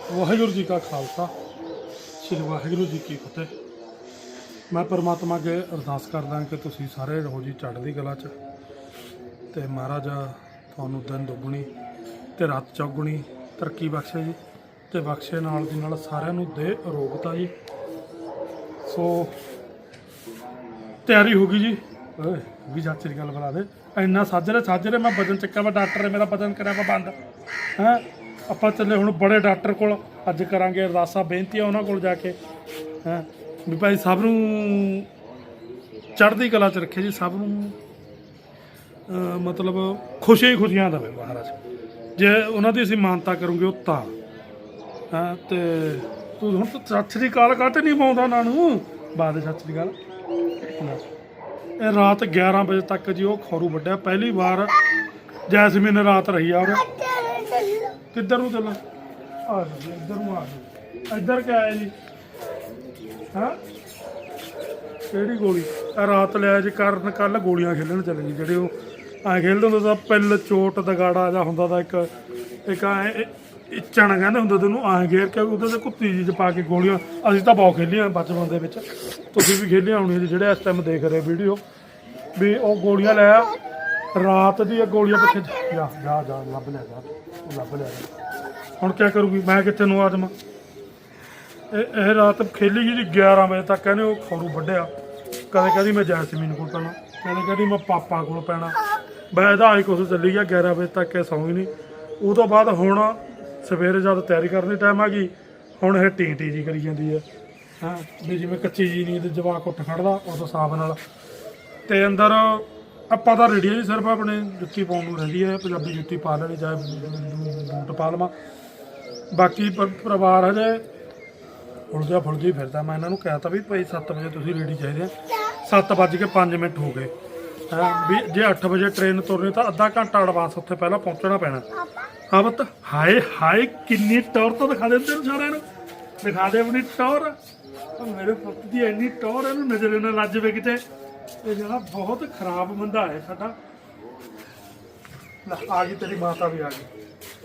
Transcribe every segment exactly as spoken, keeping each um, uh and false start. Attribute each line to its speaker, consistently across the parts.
Speaker 1: ਵਾਹਿਗੁਰੂ ਜੀ ਕਾ ਖਾਲਸਾ ਸ੍ਰੀ ਵਾਹਿਗੁਰੂ ਜੀ ਕੀ ਫਤਿਹ। ਮੈਂ ਪਰਮਾਤਮਾ ਅੱਗੇ ਅਰਦਾਸ ਕਰਦਾ ਕਿ ਤੁਸੀਂ ਸਾਰੇ ਰਹੋ ਜੀ ਚੜ੍ਹਦੀ ਕਲਾ 'ਚ, ਤੇ ਮਹਾਰਾਜ ਤੁਹਾਨੂੰ ਦਿਨ ਦੁੱਗਣੀ ਤੇ ਰਾਤ ਚੌਗੁਣੀ ਤਰੱਕੀ ਬਖਸ਼ੇ ਜੀ, ਤੇ ਬਖਸ਼ੇ ਨਾਲ ਦੀ ਨਾਲ ਸਾਰਿਆਂ ਨੂੰ ਦੇ ਅਰੋਗਤਾ ਜੀ। ਸੋ ਤਿਆਰੀ ਹੋ ਗਈ ਜੀ। ਓਏ ਵੀ ਚਾਚੇ ਦੀ ਗੱਲ ਬਣਾ ਦੇ, ਇੰਨਾ ਸਾਜਰੇ ਸਾਜਰੇ ਮੈਂ ਵਜਨ ਚੱਕਿਆ ਵਾ, ਡਾਕਟਰ ਨੇ ਮੇਰਾ ਵਜਨ ਕਰਿਆ ਵਾ ਬੰਦ ਹੈਂ। ਆਪਾਂ ਚੱਲੇ ਹੁਣ ਬੜੇ ਡਾਕਟਰ ਕੋਲ, ਅੱਜ ਕਰਾਂਗੇ ਅਰਦਾਸਾਂ ਬੇਨਤੀਆਂ ਉਹਨਾਂ ਕੋਲ ਜਾ ਕੇ ਹੈਂ, ਵੀ ਭਾਈ ਸਭ ਨੂੰ ਚੜ੍ਹਦੀ ਕਲਾ 'ਚ ਰੱਖੇ ਜੀ, ਸਭ ਨੂੰ ਅਹ ਮਤਲਬ ਖੁਸ਼ੀਆਂ ਹੀ ਖੁਸ਼ੀਆਂ ਦੇਵੇ ਮਹਾਰਾਜ। ਜੇ ਉਹਨਾਂ ਦੀ ਅਸੀਂ ਮਾਨਤਾ ਕਰੂੰਗੇ ਉਹ ਤਾਂ ਹਾਂ। ਤੇ ਤੂੰ ਹੁਣ ਤਾਂ ਸਤਿ ਸ਼੍ਰੀ ਅਕਾਲ ਕਾਹਤੇ ਨਹੀਂ ਪਾਉਂਦਾ ਉਹਨਾਂ ਨੂੰ, ਬਾਅਦ ਸਤਿ ਸ਼੍ਰੀ ਅਕਾਲ। ਇਹ ਰਾਤ ਗਿਆਰਾਂ ਵਜੇ ਤੱਕ ਜੀ ਉਹ ਖੌਰੂ ਵੱਢਿਆ, ਪਹਿਲੀ ਵਾਰ ਜੈਸਮੀਨ ਰਾਤ ਰਹੀ ਆ। ਉਹ ਕਿੱਧਰ ਨੂੰ ਚੱਲਾਂ? ਆ ਜੀ ਇੱਧਰ ਨੂੰ ਆ ਜੀ। ਇੱਧਰ ਕਿਆ ਹੈ ਜੀ? ਹਾਂ ਕਿਹੜੀ ਗੋਲੀ? ਆ ਰਾਤ ਲਿਆ ਜੀ ਕਰਨ ਕੱਲ ਗੋਲੀਆਂ ਖੇਲਣ ਚਲੇ ਜੀ, ਜਿਹੜੇ ਉਹ ਐਂ ਖੇਲਦੇ ਹੁੰਦੇ ਤਾਂ ਪਿੱਲ ਚੋਟ ਦਗਾੜਾ ਜਾਂ ਹੁੰਦਾ ਤਾਂ ਇੱਕ ਇੱਕ ਐਂ ਇੱਚਣ ਕਹਿੰਦੇ ਹੁੰਦੇ ਤੈਨੂੰ, ਐਂ ਘੇਰ ਕੇ ਉਹਦੇ ਤੇ ਕੁੱਤੀ ਜੀ 'ਚ ਪਾ ਕੇ ਗੋਲੀਆਂ। ਅਸੀਂ ਤਾਂ ਬਹੁਤ ਖੇਲੀਆਂ ਬਚਪਨ ਦੇ ਵਿੱਚ, ਤੁਸੀਂ ਵੀ ਖੇਲੀਆਂ ਹੋਣੀਆਂ ਜੀ ਜਿਹੜੇ ਇਸ ਟਾਈਮ ਦੇਖ ਰਹੇ ਵੀਡੀਓ। ਵੀ ਉਹ ਗੋਲੀਆਂ ਲੈ ਰਾਤ ਦੀ ਗੋਲੀਆਂ ਪਿੱਛੇ ਜਾ ਜਾ ਜਾ ਲੱਭ ਲਿਆ ਜਾ, ਉਹ ਲੱਭ ਲਿਆ ਜਾ। ਹੁਣ ਕਿਆ ਕਰੂਗੀ ਮੈਂ, ਕਿੱਥੇ ਨੂੰ ਆ ਜਾਵਾਂ? ਇਹ ਇਹ ਰਾਤ ਖੇਲੀ ਜੀ ਗਿਆਰਾਂ ਵਜੇ ਤੱਕ। ਕਹਿੰਦੇ ਉਹ ਖੌਰੂ ਵੱਢਿਆ, ਕਦੇ ਕਹਿੰਦੀ ਮੈਂ ਜੈਸਮੀਨ ਕੋਲ ਪੈਣਾ, ਕਦੇ ਕਹਿੰਦੀ ਮੈਂ ਪਾਪਾ ਕੋਲ ਪੈਣਾ। ਮੈਂ ਇਹਦਾ ਆਈ ਕੁਛ ਚੱਲੀ ਗਿਆ ਗਿਆਰਾਂ ਵਜੇ ਤੱਕ, ਇਹ ਸੌਂ ਹੀ ਨਹੀਂ। ਉਹ ਤੋਂ ਬਾਅਦ ਹੁਣ ਸਵੇਰੇ ਜਦ ਤਿਆਰੀ ਕਰਨ ਦੀ ਟਾਈਮ ਆ ਗਈ, ਹੁਣ ਇਹ ਟੀ ਟੀ ਜੀ ਕਰੀ ਜਾਂਦੀ ਹੈ ਹਾਂ, ਵੀ ਜਿਵੇਂ ਕੱਚੀ ਜੀ ਨੀਂਦ ਜਵਾਕ ਉੱਠ ਖੜਦਾ ਉਸ ਹਿਸਾਬ ਨਾਲ। ਤੇ ਅੰਦਰ ਆਪਾਂ ਤਾਂ ਰੈਡੀ ਜੀ, ਸਿਰਫ ਆਪਣੇ ਜੁੱਤੀ ਪਾਉਣ ਨੂੰ ਰਹਿੰਦੀ ਹੈ, ਪੰਜਾਬੀ ਜੁੱਤੀ ਪਾ ਲੈਣੀ, ਚਾਹੇ ਬੂਟ ਪਾ ਲਵਾਂ। ਬਾਕੀ ਪ ਪਰਿਵਾਰ ਹਜੇ ਉਲਝਿਆ ਫੁਲਝੀ ਫਿਰਦਾ। ਮੈਂ ਇਹਨਾਂ ਨੂੰ ਕਹਿ ਤਾ ਵੀ ਭਾਈ ਸੱਤ ਵਜੇ ਤੁਸੀਂ ਰੈਡੀ ਚਾਹੀਦੇ ਆ। ਸੱਤ ਵੱਜ ਕੇ ਪੰਜ ਮਿੰਟ ਹੋ ਗਏ ਹਾਂ, ਵੀ ਜੇ ਅੱਠ ਵਜੇ ਟ੍ਰੇਨ ਤੁਰਨੀ ਤਾਂ ਅੱਧਾ ਘੰਟਾ ਐਡਵਾਂਸ ਉੱਥੇ ਪਹਿਲਾਂ ਪਹੁੰਚਣਾ ਪੈਣਾ। ਹਾਂ ਪੁੱਤ, ਹਾਏ ਹਾਏ ਕਿੰਨੀ ਟੌਰ ਤਾਂ ਦਿਖਾ ਦੇ ਤੈਨੂੰ ਸਾਰਿਆਂ ਨੂੰ, ਦਿਖਾ ਦੇ ਆਪਣੀ ਟੌਰ। ਮੇਰੇ ਪੁੱਤ ਦੀ ਇੰਨੀ ਟੌਰ, ਇਹਨੂੰ ਨਜ਼ਰ ਨਾ ਲੱਜ ਜਾਵੇ ਕਿਤੇ। ਇਹ ਜਿਹੜਾ ਬਹੁਤ ਖਰਾਬ ਬੰਦਾ ਹੈ ਸਾਡਾ। ਆ ਗਈ ਤੇਰੀ ਮਾਤਾ ਵੀ ਆ ਗਈ।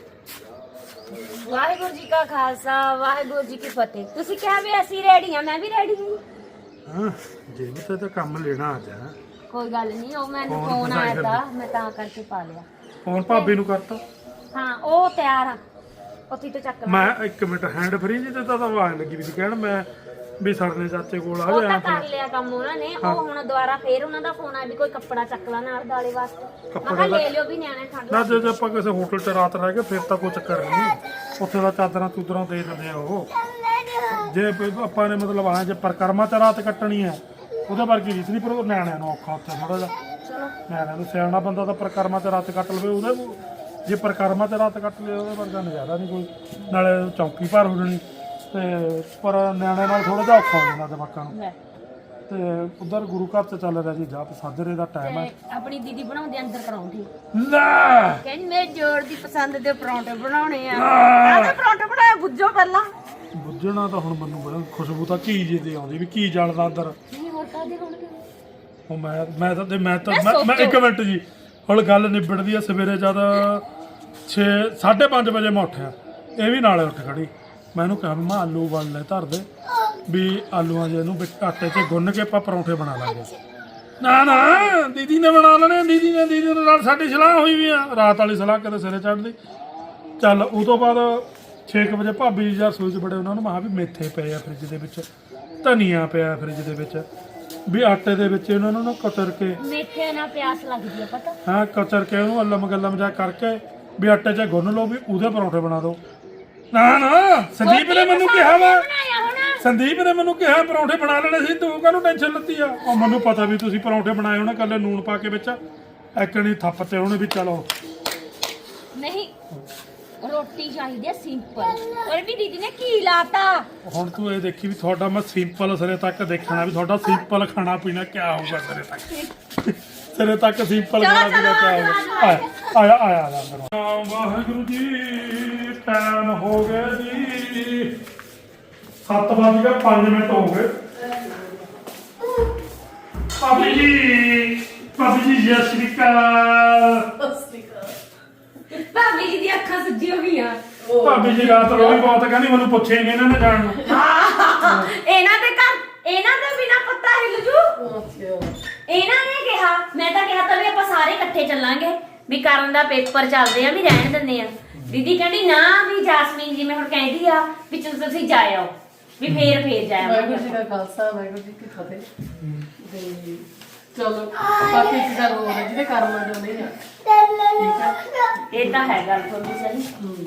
Speaker 2: ਵਾਹਿਗੁਰੂ ਜੀ ਕਾ ਖਾਲਸਾ ਵਾਹਿਗੁਰੂ ਜੀ ਕੀ ਫਤਿਹ। ਤੁਸੀਂ ਕਿਹਾ ਵੀ ਅਸੀਂ ਰੈਡੀ ਆ, ਮੈਂ ਵੀ ਰੈਡੀ ਹਾਂ।
Speaker 1: ਹਾਂ ਜੇ ਵੀ ਤੇ ਕੰਮ ਲੈਣਾ ਅੱਜ ਹੈ।
Speaker 2: ਕੋਈ ਗੱਲ ਨਹੀਂ, ਉਹ ਮੈਨੂੰ ਫੋਨ ਆਇਆ ਤਾਂ ਮੈਂ ਤਾਂ ਕਰਕੇ ਪਾ ਲਿਆ।
Speaker 1: ਫੋਨ ਭਾਬੀ ਨੂੰ ਕਰਤਾ?
Speaker 2: ਹਾਂ ਉਹ ਤਿਆਰ ਆ, ਉੱਥੇ ਤੋਂ ਚੱਕ ਲਾ।
Speaker 1: ਮੈਂ ਇੱਕ ਮਿੰਟ ਹੈਂਡ ਫਰੀ ਜੀ ਤੇ ਤਾਂ ਆਵਾਜ਼ ਲੱਗੀ ਵੀ ਸੀ ਕਹਿਣ ਮੈਂ ਵੀ ਸਰਨੇ ਚਾਚੇ ਕੋਲ ਆ
Speaker 2: ਉਹ
Speaker 1: ਜਾ।
Speaker 2: ਤਾਂ ਕਰ ਲਿਆ ਕੰਮ ਉਹਨਾਂ ਨੇ। ਉਹ ਹੁਣ ਦੁਬਾਰਾ ਫੇਰ ਉਹਨਾਂ ਦਾ ਫੋਨ ਆਇਆ ਵੀ ਕੋਈ ਕੱਪੜਾ ਚੱਕ ਲਾ ਨਾਲ ਦਾਲੇ ਵਾਸਤੇ। ਮੈਂ ਕਿਹਾ ਲੈ ਲਿਓ ਵੀ ਨਿਆਣੇ ਠੰਡ
Speaker 1: ਨਾ। ਜੇ ਜੇ ਆਪਾਂ ਕਿਸੇ ਹੋਟਲ 'ਚ ਰਾਤ ਰਹਿ ਗਏ ਫਿਰ ਤਾਂ ਕੋਈ ਚੱਕਰ ਨਹੀਂ, ਉੱਥੇ ਦਾ ਚਾਦਰਾਂ ਚੂਦਰਾਂ ਦੇ ਦਿੰਦੇ ਆ ਉਹ। ਜੇ ਆਪਾਂ ਨੇ ਮਤਲਬ ਆ ਜੇ ਪਰਿਕਰਮਾ 'ਚ ਰਾਤ ਕੱਟਣੀ ਹੈ ਉਹਦੇ ਵਰਗੀ ਰੀਤ ਨਹੀਂ, ਪਰ ਨਿਆਣਿਆਂ ਨੂੰ ਔਖਾ ਉੱਥੇ ਥੋੜਾ ਜਿਹਾ। ਨਿਆਣਿਆਂ ਨੂੰ ਸਿਆਣਾ ਬੰਦਾ ਤਾਂ ਪਰਿਕਰਮਾ 'ਚ ਰਾਤ ਕੱਟ ਲਵੇ, ਉਹਦੇ ਜੇ ਪਰਿਕਰਮਾ 'ਚ ਰਾਤ ਕੱਟ ਲਏ ਉਹਦੇ ਵਰਗਾ ਨਜ਼ਾਰਾ ਨਹੀਂ ਕੋਈ। ਨਾਲੇ ਚੌਂਕੀ ਭਰ ਹੋ ਜਾਣੀ, ਤੇ ਪਰ ਨਿਆਣਿਆਂ ਨਾਲ ਥੋੜਾ ਜਿਹਾ ਔਖਾ ਹੋ ਜਾਂਦਾ ਜਵਾਕਾਂ ਨੂੰ। ਤੇ ਉਧਰ ਗੁਰੂ ਘਰ 'ਚ ਚੱਲ ਰਿਹਾ ਜੀ ਜਾਪ ਸਾਜਰੇ ਦਾ ਟਾਈਮ ਹੈ।
Speaker 2: ਆਪਣੀ ਦੀਦੀ ਬਣਾਉਂਦੀ ਅੰਦਰ ਪਰੌਂਠੇ,
Speaker 1: ਲੈ
Speaker 2: ਕਹਿੰਦੀ ਮੇਰੇ ਜੋੜ ਦੀ ਪਸੰਦ ਦੇ ਪਰੌਂਠੇ ਬਣਾਉਣੇ ਆ। ਆਹ ਪਰੌਂਠੇ ਬਣਾਏ ਬੁੱਝੋ ਪਹਿਲਾਂ।
Speaker 1: ਬੁੱਝਣਾ ਤਾਂ ਹੁਣ ਮੈਨੂੰ ਬੜਾ ਖੁਸ਼ਬੂ ਤਾਂ ਘੀ ਜੀ ਦੀ ਆਉਂਦੀ ਵੀ ਘੀ ਜਲਦਾ ਅੰਦਰ।
Speaker 2: ਨਹੀਂ ਹੋਰ ਕਾਹਦੇ ਹੋਣਗੇ?
Speaker 1: ਉਹ ਮੈਂ ਮੈਂ ਤਾਂ ਮੈਂ ਤਾਂ ਮੈਂ- ਮੈਂ ਇੱਕ ਮਿੰਟ ਜੀ, ਹੁਣ ਗੱਲ ਨਿਬੜਦੀ ਆ। ਸਵੇਰੇ ਜਦ ਛੇ ਸਾਢੇ ਪੰਜ ਵਜੇ ਮੈਂ ਉੱਠਿਆ, ਇਹ ਵੀ ਨਾਲੇ ਉੱਠ ਖੜੀ। ਮੈਂ ਇਹਨੂੰ ਕਿਹਾ ਵੀ ਮੈਂ ਆਲੂ ਉਬਾਲ ਲੈ ਧਰ ਦੇ, ਵੀ ਆਲੂਆਂ ਜੇ ਇਹਨੂੰ ਵਿੱਚ ਆਟੇ 'ਚ ਗੁੰਨ ਕੇ ਆਪਾਂ ਪਰੌਂਠੇ ਬਣਾ ਲਾਂਗੇ। ਨਾ ਨਾ ਦੀਦੀ ਨੇ ਬਣਾ ਲੈਣੇ, ਦੀਦੀ ਨੇ ਦੀਦੀ ਦੇ ਨਾਲ ਸਾਡੀ ਸਲਾਹ ਹੋਈ ਵੀ ਆ, ਰਾਤ ਵਾਲੀ ਸਲਾਹ ਕਦੇ ਸਿਰੇ ਚੜ੍ਹਦੀ। ਚੱਲ ਉਹ ਤੋਂ ਬਾਅਦ ਛੇ ਕੁ ਵਜੇ ਭਾਬੀ ਜੀ ਰਸੋਈ 'ਚ ਬੜੇ, ਉਹਨਾਂ ਨੂੰ ਮੈਂ ਕਿਹਾ ਵੀ ਮੇਥੇ ਪਏ ਆ ਫਰਿੱਜ ਦੇ ਵਿੱਚ, ਧਨੀਆ ਪਿਆ ਫਰਿੱਜ ਦੇ ਵਿੱਚ, ਵੀ ਆਟੇ ਦੇ ਵਿੱਚ ਇਹਨਾਂ ਨੂੰ ਕਤਰ ਕੇ
Speaker 2: ਮੇਥੇ ਨਾਲ ਪਿਆਸ ਲੱਗਦੀ ਆ ਪਤਾ।
Speaker 1: ਹਾਂ ਕਤਰ ਕੇ ਉਹਨੂੰ ਅੱਲਮ ਗੱਲਮ ਜਾ ਕਰਕੇ ਵੀ ਆਟੇ 'ਚ ਗੁੰਨ ਲਓ, ਵੀ ਉਹਦੇ ਪਰੌਂਠੇ ਬਣਾ ਦਿਓ। ਨਾ ਨਾ ਸੰਦੀਪ ਨੇ ਮੈਨੂੰ ਕਿਹਾ ਵਾ, ਸੰਦੀਪ ਨੇ ਮੈਨੂੰ ਕਿਹਾ ਪਰੌਂਠੇ ਬਣਾ ਲੈਣੇ ਸੀ, ਤੂੰ ਕਾਹਨੂੰ ਟੈਨਸ਼ਨ ਲੱਤੀ ਆ? ਉਹ ਮੈਨੂੰ ਪਤਾ ਵੀ ਤੁਸੀਂ ਪਰੌਂਠੇ ਬਣਾਏ ਹੋਣੇ, ਕੱਲੇ ਨੂਣ ਪਾ ਕੇ ਵਿੱਚ ਐਕਣੀ ਥੱਪ ਤੇ ਉਹਨੇ ਵੀ। ਚਲੋ
Speaker 2: ਨਹੀਂ ਰੋਟੀ ਚਾਹੀਦੀ ਆ ਸਿੰਪਲ, ਔਰ ਵੀ ਦੀਦੀ ਨੇ ਕੀ ਲਾਤਾ।
Speaker 1: ਹੁਣ ਤੂੰ ਇਹ ਦੇਖੀ ਵੀ ਤੁਹਾਡਾ ਮੈਂ ਸਿੰਪਲ ਸਿਰੇ ਤੱਕ ਦੇਖਣਾ, ਵੀ ਤੁਹਾਡਾ ਸਿੰਪਲ ਖਾਣਾ ਪੀਣਾ ਕਿਆ ਹੋਊਗਾ ਸਿਰੇ ਤੱਕ। ਸਿਰੇ ਤੱਕ ਸਿੰਪਲ ਖਾਣਾ ਪੀਣਾ ਕਿਆ ਹੋਊਗਾ। ਆਇਆ ਆਇਆ ਆਇਆ ਆਇਆ ਵਾਹਿਗੁਰੂ ਜੀ, ਟਾਈਮ ਹੋ ਗਿਆ ਜੀ ਸੱਤ ਵੱਜ ਕੇ ਪੰਜ ਮਿੰਟ ਹੋ ਗਏ। ਭਾਬੀ ਜੀ ਭਾਬੀ ਜੀ ਸਤਿ ਸ਼੍ਰੀ ਅਕਾਲ।
Speaker 2: ਭਾਬੀ ਜੀ ਦੀ ਅੱਖਾਂ ਸੁੱਜੀ ਹੋ ਗਈਆਂ।
Speaker 1: ਭਾਬੀ ਜੀ ਰਾਤ ਰੋਈ ਬਹੁਤ ਕਹਿੰਦੀ ਮੈਨੂੰ ਪੁੱਛੇ ਨਹੀਂ ਇਹਨਾਂ ਨੇ ਜਾਣ ਨੂੰ।
Speaker 2: ਇਹਨਾਂ ਦੇ ਘਰ ਇਹਨਾਂ ਦੇ ਬਿਨਾ ਪੱਤਾ ਹਿੱਲ ਜੂ। ਇਹਨਾਂ ਨੇ ਕਿਹਾ, ਮੈਂ ਤਾਂ ਕਿਹਾ ਤਾਂ ਵੀ ਆਪਾਂ ਸਾਰੇ ਇਕੱਠੇ ਚੱਲਾਂਗੇ ਵੀ ਕਰਨ ਦਾ ਪੇਪਰ ਚੱਲਦੇ ਆ ਵੀ ਰਹਿਣ ਦਿੰਦੇ ਆ। ਦੀਦੀ ਕਹਿੰਦੀ ਨਾ ਵੀ ਜਾਸਮੀਨ ਜੀ ਮੈਂ ਹੁਣ ਕਹਿੰਦੀ ਆ ਵੀ ਚਲੋ ਤੁਸੀਂ ਜਾ ਆਓ ਵੀ ਫੇਰ ਫੇਰ ਜਾਇਆ
Speaker 3: ਵਾਹਿਗੁਰੂ ਜੀ ਦਾ ਖਾਲਸਾ ਵਾਹਿਗੁਰੂ ਜੀ ਕੀ ਫਤਿਹ। ਤੇ ਚਲੋ ਬਾਕੀ ਇੱਕ ਗੱਲ ਹੋਰ ਹੈ ਜਿਹਦੇ ਕਰਮਾਂ ਜੋ ਨਹੀਂ ਆ ਠੀਕ ਹੈ।
Speaker 2: ਇਹ ਤਾਂ ਹੈ ਗੱਲ ਤੁਹਾਡੀ ਸਹੀ।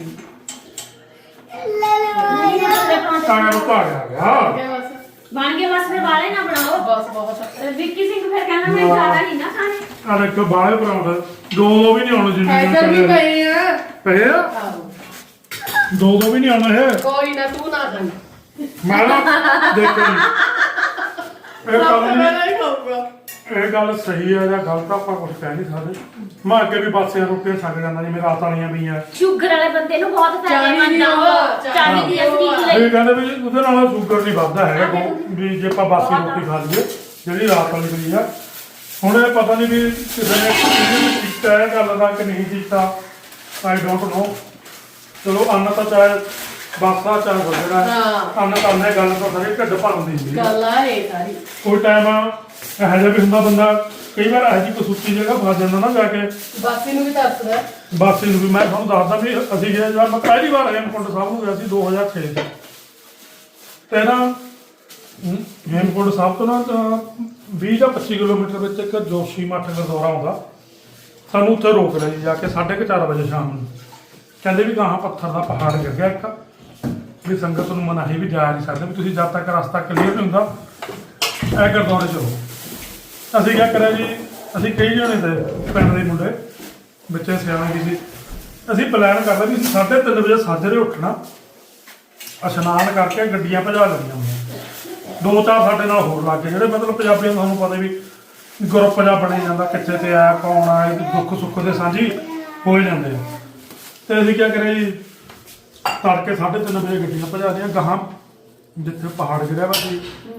Speaker 1: ਕਾਣਾ ਨੂੰ ਭਾਗ ਆ ਗਿਆ
Speaker 3: ਠੀਕ ਹੈ ਬਸ
Speaker 2: ਬਣ ਕੇ ਬਸ ਫਿਰ ਵਾਲੇ ਨਾ ਬਣਾਓ।
Speaker 3: ਬਸ ਬਹੁਤ
Speaker 2: ਵਿੱਕੀ ਸਿੰਘ ਫਿਰ ਕਹਿੰਦਾ ਮੈਂ ਜ਼ਿਆਦਾ ਨਹੀਂ ਨਾ ਖਾਣੇ।
Speaker 1: ਆ ਦੇਖੋ ਬਾਹਰ ਪਰਾਂਠਾ ਦੋ ਦੋ ਵੀ ਨਹੀਂ ਆਉਣੇ ਜਿੰਨੇ
Speaker 3: ਐਸਾ ਵੀ ਪਏ ਆ
Speaker 1: ਪਏ ਆ
Speaker 3: ਆਹੋ।
Speaker 1: ਦੋ ਦੋ ਵੀ ਨਹੀਂ ਆਉਣਾ ਹੈ।
Speaker 3: ਕੋਈ ਨਾ ਤੂੰ ਨਾ ਖਾਈ
Speaker 1: ਮੈਂ ਨਾ ਦੇਖੋ ਜੀ, ਇਹ
Speaker 3: ਸਭ
Speaker 1: ਗੱਲ
Speaker 3: ਤੋਂ
Speaker 1: ਨਹੀਂ
Speaker 3: ਪਹਿਲਾਂ ਹੀ ਖਾਊਗਾ।
Speaker 1: ਇਹ ਗੱਲ ਸਹੀ ਹੈ ਜਾਂ ਗਲਤ ਆ, ਆਪਾਂ ਕੁਝ ਕਹਿ ਨਹੀਂ ਸਕਦੇ। ਮੈਂ ਅੱਗੇ ਵੀ ਬਾਸੀਆਂ ਰੋਟੀਆਂ ਛੱਡ ਜਾਂਦਾ ਜੀ, ਮੇਰੇ ਰਾਤ ਵਾਲੀਆਂ ਵੀ ਆ।
Speaker 2: ਸ਼ੂਗਰ ਵਾਲੇ ਬੰਦੇ ਨੂੰ ਬਹੁਤ
Speaker 3: ਚਾਹੀਦੀ
Speaker 2: ਫਾਇਦੇਮੰਦ ਆ ਉਹ।
Speaker 3: ਉਹ,
Speaker 2: ਚਾਹੀਦੀ ਆ ਸਟੀਕ ਲਈ।
Speaker 1: ਇਹ ਕਹਿੰਦੇ ਵੀ ਉਹਦੇ ਨਾਲ ਸ਼ੂਗਰ ਨਹੀਂ ਵੱਧਦਾ ਹੈਗਾ ਕੋ- ਵੀ ਜੇ ਆਪਾਂ ਬਾਸੀ ਰੋਟੀ ਖਾ ਲਈਏ ਜਿਹੜੀ ਰਾਤ ਵਾਲੀ ਪਈ ਆ। ਹੁਣ ਇਹ ਪਤਾ ਨਹੀਂ ਵੀ ਕਿਸੇ ਨੇ ਕਿਸੇ ਨੇ ਕੀਤਾ ਇਹ ਗੱਲ ਦਾ ਕਿ ਨਹੀਂ ਕੀਤਾ, ਆਈ ਡੋਂਟ ਨੋ। ਚਲੋ ਅੰਨ ਤਾਂ ਚਾਹੇ ਬਾਸਾ ਚਾਹੇ ਵਗੜਾ
Speaker 3: ਹਾਂ।
Speaker 1: ਅੰਨ ਤਾਂ ਅੰਨੇ ਗੱਲ ਤਾਂ ਸਾਰੇ ਢਿੱਡ ਭਰਨ ਦੀ ਹੁੰਦੀ ਹੈ।
Speaker 3: ਗੱਲ ਆ ਇਹ ਸਾਰੀ
Speaker 1: ਕੋਈ ਟਾਈਮ ਇਹੋ ਜਿਹਾ ਵੀ ਹੁੰਦਾ ਬੰਦਾ ਕਈ ਵਾਰ ਇਹੋ ਜਿਹੀ ਕੋਈ ਸੁੱਤੀ ਜਗ੍ਹਾ ਫਸ ਜਾਂਦਾ ਨਾ ਜਾ ਕੇ
Speaker 3: ਬਾਸੀ ਨੂੰ ਵੀ ਤਰਸਦਾ।
Speaker 1: ਬਾਸੀ ਨੂੰ ਵੀ। ਮੈਂ ਤੁਹਾਨੂੰ ਦੱਸਦਾ ਵੀ ਅਸੀਂ ਗਏ ਜਦ ਮੈਂ ਪਹਿਲੀ ਵਾਰ ਹੇਮਕੁੰਟ ਸਾਹਿਬ ਨੂੰ ਗਿਆ ਸੀ ਦੋ ਹਜ਼ਾਰ ਛੇ ਚ ਤੇ ਨਾ ਹਮ, ਹੇਮਕੁੰਟ ਸਾਹਿਬ ਤੋਂ ਨਾ ਤਾਂ ਵੀਹ ਜਾਂ ਪੱਚੀ ਕਿਲੋਮੀਟਰ ਵਿੱਚ ਇੱਕ ਜੋਸ਼ੀ ਮੱਠ ਗੁਰਦੁਆਰਾ ਆਉਂਦਾ। ਸਾਨੂੰ ਉੱਥੇ ਰੋਕ ਲਿਆ ਜੀ ਜਾ ਕੇ ਸਾਢੇ ਕੁ ਚਾਰ ਵਜੇ ਸ਼ਾਮ ਨੂੰ। ਕਹਿੰਦੇ ਵੀ ਗਾਹਾਂ ਪੱਥਰ ਦਾ ਪਹਾੜ ਗਿਰ ਗਿਆ ਇੱਕ, ਵੀ ਸੰਗਤ ਨੂੰ ਮਨਾਹੀ ਵੀ ਜਾ ਨਹੀਂ ਸਕਦੇ, ਵੀ ਤੁਸੀਂ ਜਦ ਤੱਕ ਰਸਤਾ ਕਲੀਅਰ ਨਹੀਂ ਹੁੰਦਾ ਇਹ ਗੁਰਦੁਆਰੇ ਚ ਰਹੋ। ਅਸੀਂ ਕਿਆ ਕਰਿਆ ਜੀ, ਅਸੀਂ ਕਈ ਜਣੇ ਤੇ ਪਿੰਡ ਦੇ ਮੁੰਡੇ ਬੱਚੇ ਸਿਆਣੇ ਵੀ ਸੀ। ਅਸੀਂ ਪਲਾਨ ਕਰਦਾ ਵੀ ਅਸੀਂ ਸਾਢੇ ਤਿੰਨ ਵਜੇ ਸਾਜਰੇ ਉੱਠਣਾ, ਇਸ਼ਨਾਨ ਕਰਕੇ ਗੱਡੀਆਂ ਭਜਾ ਲੈਣੀਆਂ ਹੁੰਦੀਆਂ। ਦੋ ਚਾਰ ਸਾਡੇ ਨਾਲ ਹੋਰ ਲੱਗ ਗਏ ਜਿਹੜੇ ਮਤਲਬ ਪੰਜਾਬੀਆਂ ਨੂੰ ਤੁਹਾਨੂੰ ਪਤਾ ਵੀ ਗਰੁੱਪ ਜਿਹਾ ਬਣੇ ਜਾਂਦਾ, ਕਿੱਥੇ ਤੇ ਆਇਆ ਕੌਣ ਆਇਆ, ਦੁੱਖ ਸੁੱਖ ਦੇ ਸਾਂਝੀ ਹੋ ਜਾਂਦੇ ਆ। ਤੇ ਅਸੀਂ ਕਿਆ ਕਰਿਆ ਜੀ, ਤੜਕੇ ਸਾਢੇ ਤਿੰਨ ਵਜੇ ਗੱਡੀਆਂ ਭਜਾ ਦੀਆਂ ਗਾਹਾਂ ਜਿੱਥੇ ਪਹਾੜ ਗਿਰਿਆ ਵਾ ਸੀ